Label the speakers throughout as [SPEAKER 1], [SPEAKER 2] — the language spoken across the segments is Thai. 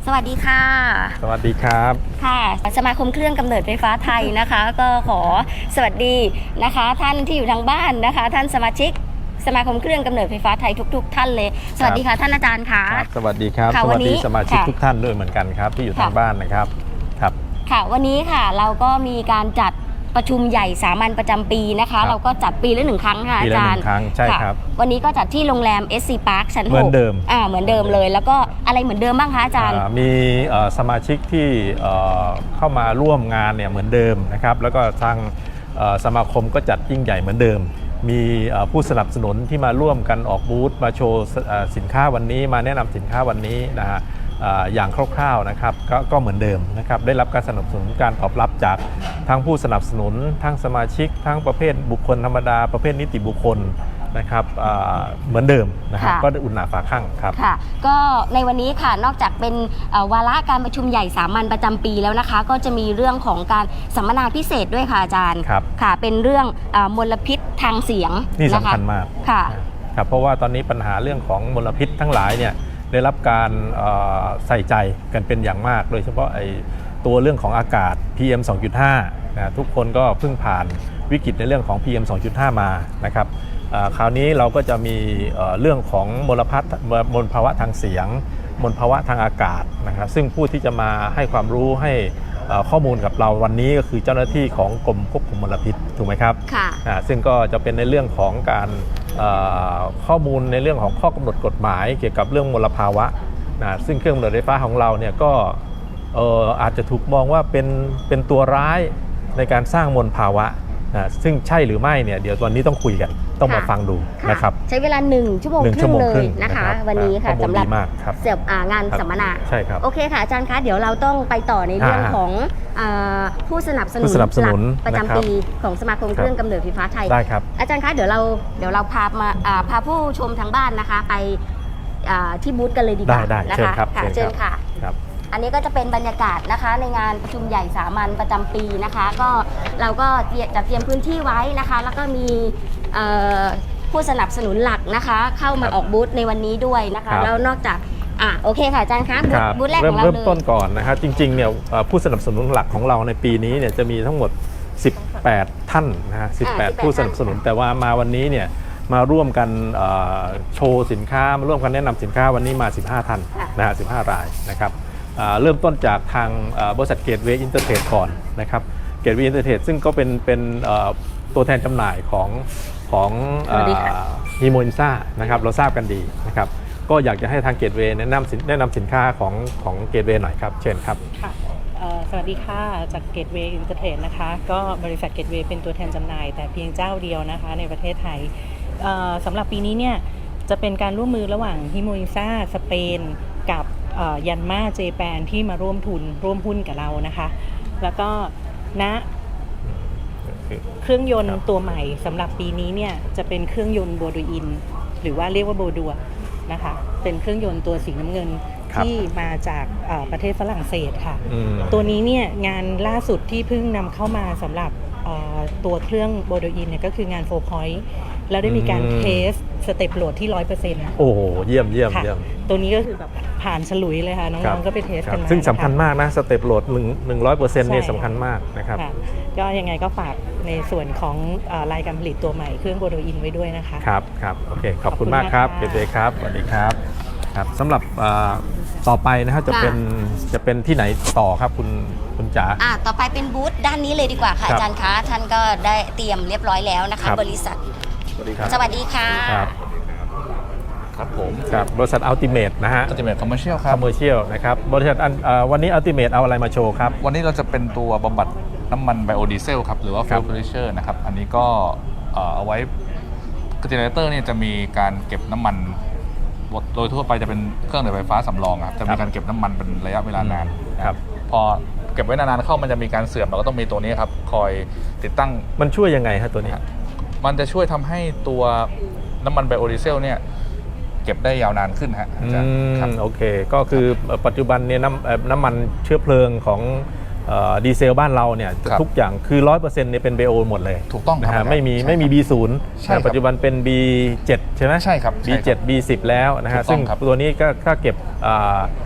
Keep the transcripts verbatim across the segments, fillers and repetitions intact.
[SPEAKER 1] สวัสดีค่ะ
[SPEAKER 2] สวัสดีครับ
[SPEAKER 1] ค่ะสมาคมเครื่องกำเนิดไฟฟ้าไทยนะคะก็ขอสวัสดีนะคะท่านที่อยู่ทางบ้านนะคะท่านสมาชิกสมาคมเครื่องกำเนิดไฟฟ้าไทยทุกๆท่านเลยสวัสดีค่ะท่านอาจารย์ค่ะ
[SPEAKER 2] สวัสดีครับสวัสดีสมาชิกทุกท่านด้วยเหมือนกันครับที่อยู่ทางบ้านนะครับครับ
[SPEAKER 1] ค่ะวันนี้ค่ะเราก็มีการจัดประชุมใหญ่สามัญประจำปีนะคะเราก็จัดปีละหนึ่งครั้งค่ะอาจารย์
[SPEAKER 2] ปีละหนึ่งครั้งใช่ครับ
[SPEAKER 1] วันนี้ก็จัดที่โรงแรม เอส ซี Park ชั้นหก
[SPEAKER 2] เหมือนเดิม
[SPEAKER 1] อ่าเหมือนเดิมเลยแล้วก็อะไรเหมือนเดิมบ้างคะอาจารย์
[SPEAKER 2] มีสมาชิกที่เข้ามาร่วมงานเนี่ยเหมือนเดิมนะครับแล้วก็ทางสมาคมก็จัดยิ่งใหญ่เหมือนเดิมมีผู้สนับสนุนที่มาร่วมกันออกบูธมาโชว์สินค้าวันนี้มาแนะนำสินค้าวันนี้นะฮะอย่างคร่าวๆนะครับ ก, ก็เหมือนเดิมนะครับได้รับการสนับสนุนการตอบรับจากทั้งผู้สนับสนุนทั้งสมาชิกทั้งประเภทบุคคลธรรมดาประเภทนิติบุคคลนะครับเหมือนเดิมนะครับก็ได้อุ่นหนาฝาข้างครับ
[SPEAKER 1] ค่ะก็ในวันนี้ค่ะนอกจากเป็นวาระการประชุมใหญ่สามัญประจำปีแล้วนะคะก็จะมีเรื่องของการสัมมนาพิเศษด้วยค่ะอาจารย์ค่ะเป็นเรื่องมลพิษทางเสียง
[SPEAKER 2] นี่สำคัญมาก
[SPEAKER 1] ค่ะ
[SPEAKER 2] ครับเพราะว่าตอนนี้ปัญหาเรื่องของมลพิษทั้งหลายเนี่ยได้รับการใส่ใจกันเป็นอย่างมากโดยเฉพาะไอ้ตัวเรื่องของอากาศ พี เอ็ม สองจุดห้า นะทุกคนก็เพิ่งผ่านวิกฤตในเรื่องของ พี เอ็ม สองจุดห้า มานะครับคราวนี้เราก็จะมีเรื่องของมลพัฒมลภาวะทางเสียงมลภาวะทางอากาศนะครับซึ่งผู้ที่จะมาให้ความรู้ให้ข้อมูลกับเราวันนี้ก็คือเจ้าหน้าที่ของกรมควบคุมมลพิษถูกไหมครับ
[SPEAKER 1] ค่ะ
[SPEAKER 2] ซึ่งก็จะเป็นในเรื่องของการข้อมูลในเรื่องของข้อกำหนดกฎหมายเกี่ยวกับเรื่องมลภาวะนะซึ่งเครื่องกำเนิดไฟฟ้าของเราเนี่ยก็อาจจะถูกมองว่าเป็นเป็นตัวร้ายในการสร้างมลภาวะนะซึ่งใช่หรือไม่เนี่ยเดี๋ยววันนี้ต้องคุยกันต้องมาฟังดูนะครับ
[SPEAKER 1] ใช้เวลาหนึ่งชั่วโมงครึ่งเลยนะคะวันนี้ค่ะสำหรับเสียบงานสัมมนา
[SPEAKER 2] ใช่ครับ
[SPEAKER 1] โอเคค่ะอาจารย์คะเดี๋ยวเราต้องไปต่อในเรื่องของผู้สนับสนุนหลักประจำปีของสมาคมเครื่องกำเนิดไฟฟ้าไทย
[SPEAKER 2] ได้ครับ
[SPEAKER 1] อาจารย์คะเดี๋ยวเราเดี๋ยวเราพามาพาผู้ชมทางบ้านนะคะไปที่บูธกันเลยดีกว่านะคะเชิญค่ะอันนี้ก็จะเป็นบรรยากาศนะคะในงานประชุมใหญ่สามัญประจำปีนะคะก็เราก็จัดเตรียมพื้นที่ไว้นะคะแล้วก็มีผู้สนับสนุนหลักนะคะเข้ามาออกบูธในวันนี้ด้วยนะคะแล้วนอกจากอ่ะโอเคค่ะอาจารย์คะบูธแรกของเราเลย
[SPEAKER 2] เริ่มต้นก่อนนะครับจริงๆเนี่ยผู้สนับสนุนหลักของเราในปีนี้เนี่ยจะมีทั้งหมดสิบแปดท่านนะฮะสิบแปดผู้สนับสนุนแต่ว่ามาวันนี้เนี่ยมาร่วมกันโชว์สินค้ามาร่วมกันแนะนำสินค้าวันนี้มาสิบห้าท่านนะฮะสิบห้ารายนะครับเริ่มต้นจากทางบริษัทเกตเวย์อินเตอร์เทรดก่อนนะครับเกตเวย์อินเตอร์เทรดซึ่งก็เป็นเป็นตัวแทนจำหน่ายของของฮีโมอินซ่านะครับเราทราบกันดีนะครับก็อยากจะให้ทางเกตเวย์แนะนำแนะนำสินค้าของของเกตเวย์หน่อยครับเชิญครับ
[SPEAKER 3] ค่ะสวัสดีค่ะจากเกตเวย์อินเตอร์เทรดนะคะก็บริษัทเกตเวย์เป็นตัวแทนจำหน่ายแต่เพียงเจ้าเดียวนะคะในประเทศไทยสำหรับปีนี้เนี่ยจะเป็นการร่วมมือระหว่างฮิโมอินซ่าสเปนกับยันมาเจแปนที่มาร่วมทุนร่วมหุ้นกับเรานะคะแล้วก็ณเครื่องยนต์ตัวใหม่สำหรับปีนี้เนี่ยจะเป็นเครื่องยนต์โบดูอินหรือว่าเรียกว่าโบดัวนะคะเป็นเครื่องยนต์ตัวสีน้ำเงินที่มาจากประเทศฝรั่งเศสค่ะตัวนี้เนี่ยงานล่าสุดที่เพิ่งนำเข้ามาสำหรับตัวเครื่องโบดูอินเนี่ยก็คืองานโฟร์พอยต์แล้วได้มีการเทสสเต็ปโหลดที่ ร้อยเปอร์เซ็นต์
[SPEAKER 2] โอ้โหเยี่ยมเยี่ยมเยี่ยม
[SPEAKER 3] ตัวนี้ก็คือแบบผ่านฉลุยเลยค่ะน้องๆก็ไปเทสกันมา
[SPEAKER 2] ซึ่งสำคัญมากนะสเต็ปโหลดหนึ่งหนึ่งร้อยเปอร์เซ็นต์นี่สำคัญมากนะครับ
[SPEAKER 3] ก็ยังไงก็ฝากในส่วนของรายการผลิตตัวใหม่เครื่องโบดูอินไว้ด้วยนะคะ
[SPEAKER 2] ครับครับโอเคขอบคุณมากครับเกตเวย์ครับสวัสดีครับครับสำหรับต่อไปนะครับจะเป็นจะเป็นที่ไหนต่อครับคุณคุณจ๋า
[SPEAKER 1] อ่าต่อไปเป็นบูธด้านนี้เลยดีกว่าค่ะอาจารย์คะท่านก็ได้เตรียมเรียบร้อยแล้วนะคะบริษัท
[SPEAKER 2] สวัสดีครับ
[SPEAKER 1] สวัสดีค่ะ
[SPEAKER 4] ครับผม
[SPEAKER 2] ครับบริษัทอัลติเมทนะฮะ
[SPEAKER 4] อัลติเมทคอมเมอร์เชียลครับ
[SPEAKER 2] คอมเมอร์เชียลนะครับบริษัทวันนี้อัลติเมทเอาอะไรมาโชว์ครับ
[SPEAKER 4] วันนี้เราจะเป็นตัวบำบัดน้ำมันไบโอดีเซลครับหรือว่าฟิลเทอร์เชอร์นะครับอันนี้ก็เอาไว้เจเนเรเตอร์เนี่ยจะมีการเก็บน้ำมันโดยทั่วไปจะเป็นเครื่องดื่มไฟฟ้าสำรองครับจะมีการเก็บน้ำมันเป็นระยะเวลานาน
[SPEAKER 2] ครับ
[SPEAKER 4] พอเก็บไว้นานๆเข้ามันจะมีการเสื่อมเราก็ต้องมีตัวนี้ครับคอยติดตั้ง
[SPEAKER 2] มันช่วยยังไงครับตัวนี้
[SPEAKER 4] มันจะช่วยทำให้ตัวน้ำมันไบโอดีเซลเนี่ยเก็บได้ยาวนานขึ้นฮะ
[SPEAKER 2] ครับโอเคก็คือปัจจุบันเนี่ยน้ำน้ำมันเชื้อเพลิงของดีเซลบ้านเราเนี่ยทุกอย่างคือ ร้อยเปอร์เซ็นต์ เนี่ยเป็น บี โอ หมดเลย
[SPEAKER 4] ถูกต้อง
[SPEAKER 2] นะฮะไม่มีไม่มี บี ศูนย์ ปัจจุบันเป็น บี เจ็ด ใช่ไหม
[SPEAKER 4] ใช่ครับ
[SPEAKER 2] บี เจ็ด บี สิบ แล้วนะฮะซึ่งตัวนี้ก็ถ้าเก็บ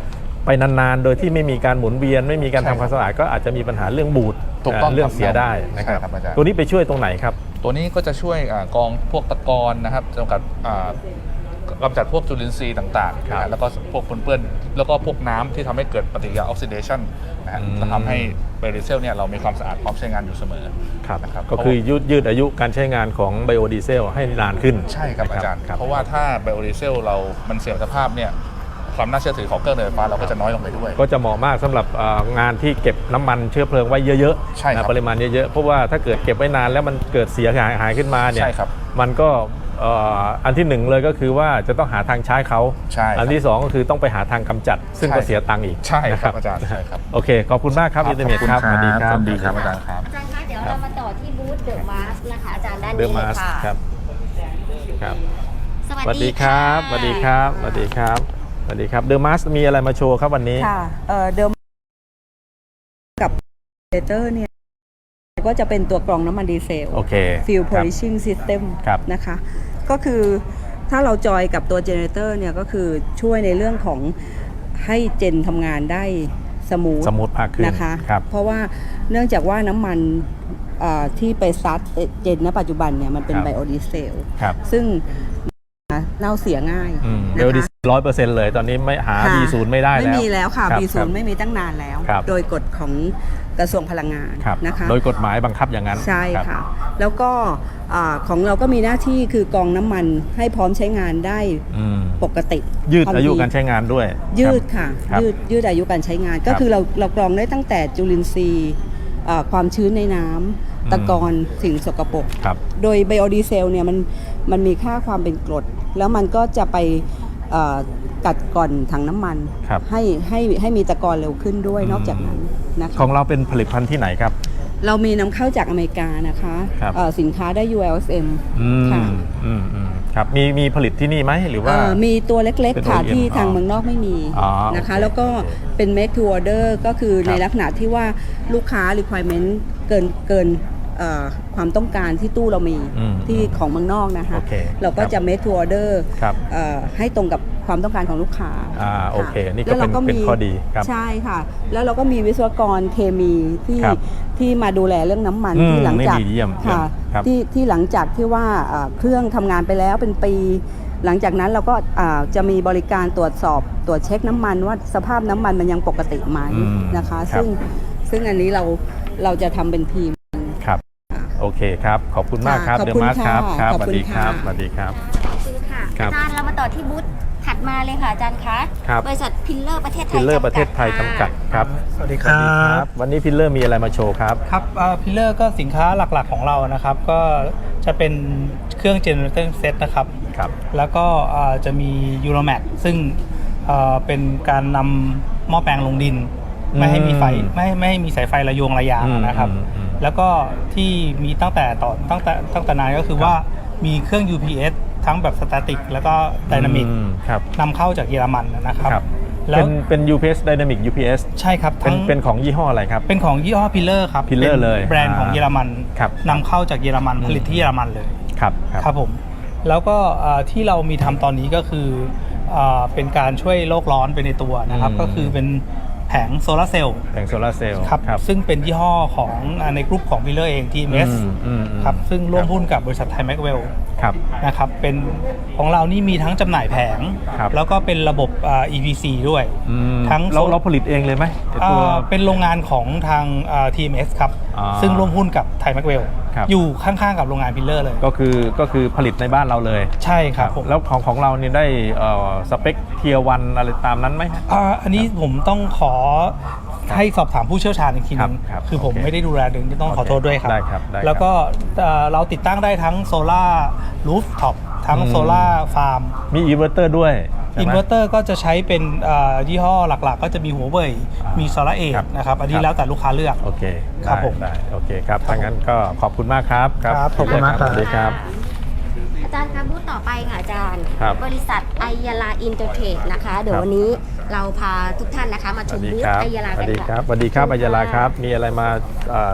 [SPEAKER 2] ไปนานๆโดยที่ไม่มีการหมุนเวียนไม่มีการทำความสะอาดก็อาจจะมีปัญหาเรื่องบูด
[SPEAKER 4] ถูกต้อง
[SPEAKER 2] เรื่องเสียได้นะครับ
[SPEAKER 4] ใช่ครับอาจารย์
[SPEAKER 2] ตัวนี้ไปช่วยตรงไหนครับ
[SPEAKER 4] ตัวนี้ก็จะช่วยอ่ากองพวกตะกอนนะครับจำกัดอ่ากำจัดพวกจุลินทรีย์ต่างๆ
[SPEAKER 2] ครับ
[SPEAKER 4] นะแล้วก็พวกปนเปื้อนแล้วก็พวกน้ำที่ทำให้เกิดปฏิกิริยาออกซิเดชันนะฮะ
[SPEAKER 2] อืม
[SPEAKER 4] จะทำให้ไบโอดีเซลเนี่ยเรามีความสะอาดพร้อมใช้งานอยู่เสมอ
[SPEAKER 2] ครับ
[SPEAKER 4] นะครับ
[SPEAKER 2] ก็คือยืดยืดอายุการใช้งานของไบโอดีเซลให้นานขึ้น
[SPEAKER 4] ใช่ครับ
[SPEAKER 2] นะ
[SPEAKER 4] อาจารย์
[SPEAKER 2] ครับ
[SPEAKER 4] เพราะว่าถ้าไบโอดีเซลเรามันเสื่อมสภาพเนี่ยความน่าเชื่อถือของเครื่องเดินไฟฟ้าเราก็จะน้อยลงไปด้วย
[SPEAKER 2] ก็จะเหมาะมากสำหรับเอ่องานที่เก็บน้ำมันเชื้อเพลิงไว้เยอะ
[SPEAKER 4] ใช่ครับ
[SPEAKER 2] นะปริมาณเยอะๆเพราะว่าถ้าเกิดเก็บไว้นานแล้วมันเกิดเสียหายหายขึ้นมาเนี่ย
[SPEAKER 4] ใช่ครับ
[SPEAKER 2] มันก็เอ่ออันที่หนึ่งเลยก็คือว่าจะต้องหาทางใช้เขา
[SPEAKER 4] ใช่ครับ
[SPEAKER 2] อันที่สองก็คือต้องไปหาทางกำจัด ซึ่ง
[SPEAKER 4] ใช่
[SPEAKER 2] ก็เสียตังค์อีก
[SPEAKER 4] ใช่ครับ
[SPEAKER 2] นะ
[SPEAKER 4] อาจารย์ใช่ครับ
[SPEAKER 2] โอเคขอบคุณมากครับอินเทอร์เน็ตครับสวัสดีครับ
[SPEAKER 4] สวัสดีครับอาจารย์ครับ
[SPEAKER 1] อาจารย์คะเดี๋ยวเรามาต่อที่บูธเดอะมาสนะคะอาจารย์ด้าน
[SPEAKER 2] เด
[SPEAKER 1] นี้
[SPEAKER 2] อะ
[SPEAKER 1] เล
[SPEAKER 2] มาย ส
[SPEAKER 1] ค่ะ
[SPEAKER 2] ครับครับ
[SPEAKER 1] ส
[SPEAKER 2] สวัสดีครับสวัสดีครับสวัสดีครับสวัสดีครับเดอะมาสมีอะไรมาโชว์ครับวันนี้
[SPEAKER 5] ค่ะเอ่อเดิมกับเดเตอร์เนี่ยก็จะเป็นตัวกรองน้ำมันดีเซล
[SPEAKER 2] โอเค
[SPEAKER 5] Fuel
[SPEAKER 2] ครับ
[SPEAKER 5] Polishing System
[SPEAKER 2] ครับ
[SPEAKER 5] นะคะก็คือถ้าเราจอยกับตัวเจเนเรเตอร์เนี่ยก็คือช่วยในเรื่องของให้เจนทำงานได้สมูท
[SPEAKER 2] สมูทมากขึ้น
[SPEAKER 5] นะคะ
[SPEAKER 2] ครับ
[SPEAKER 5] เพราะว่าเนื่องจากว่าน้ำมันเอ่อที่ไปซัดเจนณปัจจุบันเนี่ยมันเป็น
[SPEAKER 2] ครับ
[SPEAKER 5] ไบโอดีเซล
[SPEAKER 2] ครับ
[SPEAKER 5] ซึ่งเน่าเสียง่าย
[SPEAKER 2] อืม
[SPEAKER 5] นะคะ
[SPEAKER 2] เบลดิสร้อยเปอร์เซ็นต์เลยตอนนี้ไม่หา
[SPEAKER 5] ค่ะ
[SPEAKER 2] บี ศูนย์ ไม่ได้แล้ว
[SPEAKER 5] ไม่มีแล้วค่ะ
[SPEAKER 2] รับ
[SPEAKER 5] บี ศู
[SPEAKER 2] ครั
[SPEAKER 5] น
[SPEAKER 2] บ
[SPEAKER 5] ย์ไม่มีตั้งนานแล้ว
[SPEAKER 2] ครับ
[SPEAKER 5] โดยกฎของกระทรวงพลังงาน
[SPEAKER 2] ครับ
[SPEAKER 5] นะคะ
[SPEAKER 2] โดยกฎหมายบังคับอย่างนั้น
[SPEAKER 5] ใช่
[SPEAKER 2] รับ
[SPEAKER 5] ค่ะ แล้วก็อ่าของเราก็มีหน้าที่คือกรองน้ำมันให้พร้อมใช้งานได้
[SPEAKER 2] อืม
[SPEAKER 5] ปกติ
[SPEAKER 2] ยืด
[SPEAKER 5] ควม
[SPEAKER 2] อายุ
[SPEAKER 5] ถี่
[SPEAKER 2] การใช้งานด้วย
[SPEAKER 5] ยืด
[SPEAKER 2] ครับ
[SPEAKER 5] ค่ะ
[SPEAKER 2] ครับ
[SPEAKER 5] ยืดยืดอายุการใช้งาน ก็
[SPEAKER 2] ครับ
[SPEAKER 5] คือเราเรากรองได้ตั้งแต่จุลินทรีย์อ่าความชื้นในน้ำตะกอนสิ่งสกปรก
[SPEAKER 2] ครับ
[SPEAKER 5] โดยไบโอดีเซลเนี่ยมันมันมีค่าความเป็นกรด แล้วมันก็จะไปเอ่อกัดก่อนถังน้ำมัน
[SPEAKER 2] ครับ
[SPEAKER 5] ให้ให้ให้มีตะกอนเร็วขึ้นด้วย
[SPEAKER 2] อืม
[SPEAKER 5] นอกจากนั้นนะคะ
[SPEAKER 2] ของเราเป็นผลิตภัณฑ์ที่ไหนครับ
[SPEAKER 5] เรามีนำเข้าจากอเมริกานะคะ
[SPEAKER 2] ครับ
[SPEAKER 5] เอ่อสินค้าได้ ยู แอล เอส เอ็ม
[SPEAKER 2] อืม
[SPEAKER 5] ค่ะ
[SPEAKER 2] อืมอืมครับมีมีผลิตที่นี่ไหมหรือว่า
[SPEAKER 5] เอ่อมีตัวเล็ก
[SPEAKER 2] เป็น
[SPEAKER 5] ๆ ค่ะ
[SPEAKER 2] โอ อี เอ็ม
[SPEAKER 5] ที่ทาง
[SPEAKER 2] อ๋อ
[SPEAKER 5] เมืองนอกไม่มี
[SPEAKER 2] อ๋อ
[SPEAKER 5] นะคะ
[SPEAKER 2] โอเค
[SPEAKER 5] แล้วก็เป็น make to order ก็คือ
[SPEAKER 2] ครับ
[SPEAKER 5] ในลักษณะที่ว่าลูกค้า requirement เกินเกินเอ่อความต้องการที่ตู้เรามี
[SPEAKER 2] อืม
[SPEAKER 5] ที่ของเมืองนอกนะคะ
[SPEAKER 2] โอเค
[SPEAKER 5] เราก็
[SPEAKER 2] ครับ
[SPEAKER 5] จะ make to order
[SPEAKER 2] ครับ
[SPEAKER 5] เอ่อให้ตรงกับความต้องการของลูกค้า
[SPEAKER 2] อ่า
[SPEAKER 5] ะ
[SPEAKER 2] โอเคนี่ก็
[SPEAKER 5] แล้วรา
[SPEAKER 2] เป็นเป็นข้อดีครับ
[SPEAKER 5] ใช่ค่ะ แล้วเราก็มีวิศวกรเคมีที่
[SPEAKER 2] ครับ
[SPEAKER 5] ที่มาดูแลเรื่องน้ำมัน
[SPEAKER 2] อืม
[SPEAKER 5] ที่หลังจาก
[SPEAKER 2] นี่ดีเยี่ยม
[SPEAKER 5] ค่ะ
[SPEAKER 2] ครับ
[SPEAKER 5] ที่ที่หลังจากที่ว่าเอ่อเครื่องทำงานไปแล้วเป็นปี หลังจากนั้นเราก็อ่าจะมีบริการตรวจสอบตรวจเช็คน้ำมันว่าสภาพน้ำมันมันยังปกติไหม
[SPEAKER 2] อืม
[SPEAKER 5] นะคะ
[SPEAKER 2] ครับ
[SPEAKER 5] ซึ่งซึ่งอันนี้เราเราจะทำเป็นทีม
[SPEAKER 2] ครับ
[SPEAKER 5] ค่ะ
[SPEAKER 2] โอเคครับ ขอบคุณมากครับ
[SPEAKER 5] ค่ะ
[SPEAKER 2] เด
[SPEAKER 5] ขอบคุณ
[SPEAKER 2] มาสครับ
[SPEAKER 5] ค่ะ
[SPEAKER 2] ครับ
[SPEAKER 5] ขอบ
[SPEAKER 2] สวัส
[SPEAKER 5] คุณ
[SPEAKER 2] ดีครับ
[SPEAKER 5] ค่ะ
[SPEAKER 2] สวัสดีครับ
[SPEAKER 1] ขอบคุณค่ะ
[SPEAKER 2] ครับ
[SPEAKER 1] อาจารย์เรามาต่อที่บูธถัดมาเลยค่ะอาจารย์คะ
[SPEAKER 2] ครับ
[SPEAKER 1] บริษัทพิลเลอร์ประเทศไทย
[SPEAKER 2] พิลเลอร์ประเทศไทยจำกัดครับ
[SPEAKER 6] สวัสดีครับ
[SPEAKER 2] วันนี้พิลเลอร์มีอะไรมาโชว์ครับ
[SPEAKER 6] ครับพิลเลอร์ก็สินค้าหลักๆของเรานะครับ ก็จะเป็นเครื่อง generator set นะครับ
[SPEAKER 2] ครับ
[SPEAKER 6] แล้วก็เอ่อจะมี Euromax ซึ่งเอ่อเป็นการนำหม้อแปลงลงดิน ไม่ให้มีไฟ
[SPEAKER 2] อืม
[SPEAKER 6] ไม่ให้ไม่ให้มีสายไฟระโยงระยาง
[SPEAKER 2] อืม
[SPEAKER 6] นะครับ
[SPEAKER 2] อืมอืม
[SPEAKER 6] แล้วก็ที่มีตั้งแต่ต่อตั้งแต่ตั้งแต่นานก็คือว่ามีเครื่อง ยู พี เอส ทั้งแบบสแตติกแล้วก็ไดนามิก
[SPEAKER 2] อืมครับ
[SPEAKER 6] นำเข้าจากเยอรมันนะครับ
[SPEAKER 2] ครับ
[SPEAKER 6] แล้
[SPEAKER 2] เป็
[SPEAKER 6] วน
[SPEAKER 2] เป็น ยู พี เอส Dynamic ยู พี เอส
[SPEAKER 6] ใช่ครับ
[SPEAKER 2] เป็น
[SPEAKER 6] ทั้ง
[SPEAKER 2] เป็นของยี่ห้ออะไรครับ
[SPEAKER 6] เป็นของยี่ห้อพิลเลอร์ครับ
[SPEAKER 2] Pillar
[SPEAKER 6] ป็น
[SPEAKER 2] เลย
[SPEAKER 6] แบรนด์ของ
[SPEAKER 2] อ่า
[SPEAKER 6] เยอรมัน
[SPEAKER 2] ครับ
[SPEAKER 6] นำเข้าจากเยอรมันผลิตที่เยอรมันเลย
[SPEAKER 2] ครับครับ
[SPEAKER 6] ครับผมแล้วก็เอ่อที่เรามีทำตอนนี้ก็คือเอ่อเป็นการช่วยโลกร้อนไปในตัวนะครับ
[SPEAKER 2] อืม
[SPEAKER 6] ก็คือเป็นแผงโซลาร์เซลล์
[SPEAKER 2] แผงโซลาร์เซลล์
[SPEAKER 6] ครับ
[SPEAKER 2] ครับ
[SPEAKER 6] ซึ่งเป็นยี่ห้อของอ่าในกลุ่มของพิลเลอร์เอง ที เอ็ม เอส
[SPEAKER 2] อืมอืมอืม
[SPEAKER 6] ครับซึ่งร่วมหุ้นกับบริษัทไทยแม็กเวล
[SPEAKER 2] ครับ
[SPEAKER 6] นะครับเป็นของเรานี่มีทั้งจำหน่ายแผง
[SPEAKER 2] ครับ
[SPEAKER 6] แล้วก็เป็นระบบอ่า อี พี ซี ด้วย
[SPEAKER 2] อืม
[SPEAKER 6] ทั้ง
[SPEAKER 2] เรา
[SPEAKER 6] โซล
[SPEAKER 2] เราผลิตเองเลยไหมไอ้ตัว
[SPEAKER 6] อ่าเป็นโรงงานของทางอ่า ที เอ็ม เอส ครับ
[SPEAKER 2] อ่า
[SPEAKER 6] ซึ่งร่วมหุ้นกับไทยแม็กเวล
[SPEAKER 2] ครับ
[SPEAKER 6] อยู่ข้างๆกับโรงงานพิลเลอร์เลย
[SPEAKER 2] ก็คือก็คือผลิตในบ้านเราเลย
[SPEAKER 6] ใช่ครับผม
[SPEAKER 2] แล้วของของเราเนี่ยได้เอ่อสเปคเทียร์วันอะไรตามนั้นไหมฮะ
[SPEAKER 6] อ่าอันนี้ผมต้องขอให้สอบถามผู้เชี่ยวชาญอีกทีนึง
[SPEAKER 2] ครับครับ
[SPEAKER 6] คือผม
[SPEAKER 2] โอเค
[SPEAKER 6] ไม่ได้ดูแลดึงต้องขอโทษด้วยครับ
[SPEAKER 2] ได้ครับได้ครับ
[SPEAKER 6] แล้วก็เอ่อเราติดตั้งได้ทั้งโซล่ารูฟท็อปทั้ง
[SPEAKER 2] อืม
[SPEAKER 6] โซล่าฟาร์ม
[SPEAKER 2] มีอินเวอร์เตอร์ด้วยใช่
[SPEAKER 6] อิน
[SPEAKER 2] ไหม
[SPEAKER 6] เวอร์เตอร์ก็จะใช้เป็นเอ่อยี่ห้อหลักๆ ก็จะมีหัวเว่ย
[SPEAKER 2] อ่ามี
[SPEAKER 6] มีโซล่าเอ
[SPEAKER 2] ครับ
[SPEAKER 6] นะครับ อันนี้
[SPEAKER 2] ครับ
[SPEAKER 6] แล้วแต่ลูกค้าเลือก
[SPEAKER 2] โอเค
[SPEAKER 6] ครับ
[SPEAKER 2] ได้
[SPEAKER 6] ผม
[SPEAKER 2] ได้โอเคครับถ้างั้นก็ขอบคุณมากครับ
[SPEAKER 6] ครับขอบคุณมากครับ
[SPEAKER 2] สวัสดีครับ
[SPEAKER 1] อาจารย์คะบูธต่อไปค่ะอาจารย์
[SPEAKER 2] ครับ
[SPEAKER 1] บริษัทไอยาลาอินเตอร์เทรดนะคะ เดี๋ยว
[SPEAKER 2] ครับ
[SPEAKER 1] วันนี้เราพาทุกท่านนะคะมา
[SPEAKER 2] ส
[SPEAKER 1] ช
[SPEAKER 2] วั
[SPEAKER 1] ม
[SPEAKER 2] สดี
[SPEAKER 1] บูธ
[SPEAKER 2] ครับ
[SPEAKER 1] ไอยาลา
[SPEAKER 2] ส
[SPEAKER 1] กั
[SPEAKER 2] วัน สดี
[SPEAKER 1] ค่ะ
[SPEAKER 2] ครับสวัสดีครับอัยยาลาครับ มีอะไรมาเอ่อ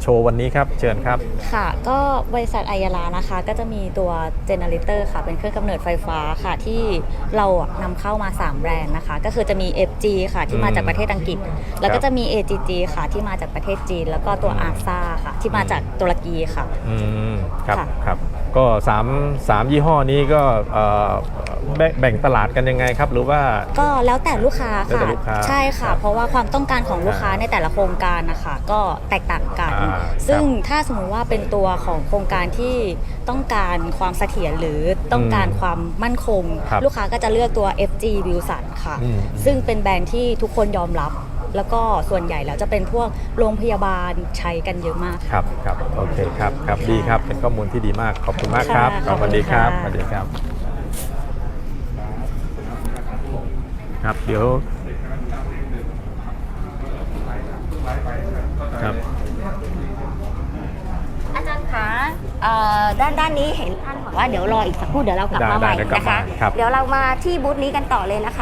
[SPEAKER 2] โชว์วันนี้ครับเชิญครับ
[SPEAKER 7] ค่ะก็บริษัทไอยาลานะคะก็จะมีตัวเจเนเรเตอร์ค่ะเป็นเครื่องกำเนิดไฟฟ้าค่ะที่เราอะนำเข้ามาสามแบรนด์นะคะก็คือจะมี เอฟ จี ค่ะที่มาจากประเทศอังกฤษ แล้วก็จะมี เอ จี จี ค่ะที่มาจากประเทศจีนแล้วก็ตัว อาร์ เอส เอ ค่ะที่มาจากตุรกีค่ะ
[SPEAKER 2] อืมครับ
[SPEAKER 7] ค่ะ
[SPEAKER 2] ครับก็สามสามยี่ห้อนี้ก็เอ่อแบ่งแบ่งตลาดกันยังไงครับหรือว่า
[SPEAKER 7] ก็แล้วแต่ลูกค้า
[SPEAKER 2] แล้ว
[SPEAKER 7] ค่ะ
[SPEAKER 2] แต่ลูกค้า
[SPEAKER 7] ใช่ค่ะ
[SPEAKER 2] ครับ
[SPEAKER 7] เพราะว่าความต้องการของลูกค้า
[SPEAKER 2] อ่า
[SPEAKER 7] ในแต่ละโครงการนะคะก็แตกต่างกัน
[SPEAKER 2] อ่า
[SPEAKER 7] ซึ่ง
[SPEAKER 2] ครับ
[SPEAKER 7] ถ้าสมมุติว่าเป็นตัวของโครงการที่ต้องการความเสถียรหรือต้องการความมั่นคง
[SPEAKER 2] ครับ
[SPEAKER 7] ลูกค้าก็จะเลือกตัว เอฟ จี Wilson ค่ะ
[SPEAKER 2] อืม
[SPEAKER 7] ซึ่งเป็นแบรนด์ที่ทุกคนยอมรับ แล้วก็ส่วนใหญ่แล้วจะเป็นพวกโรงพยาบาลใช้กันเยอะมาก
[SPEAKER 2] ครับครับโอเคครับครับดีครับเป็นข้อมูลที่ดีมากขอบคุณมากครับ
[SPEAKER 7] ค่ะขอบคุณ
[SPEAKER 2] สวัสดีครับ
[SPEAKER 7] ค่ะ
[SPEAKER 2] สวัสดีครับครับเดี๋ยวครับ
[SPEAKER 1] อาจารย์คะเอ่อด้านด้านนี้เห็นท่านบอกว่าเดี๋ยวรออีกสักครู่เดี๋ยวเรากลับมาใหม่
[SPEAKER 2] ได้ได้เดี๋ยวกลับ
[SPEAKER 1] นะคะ
[SPEAKER 2] มาครับ
[SPEAKER 1] เดี๋ยวเรามาที่บูธนี้กันต่อเลยนะคะ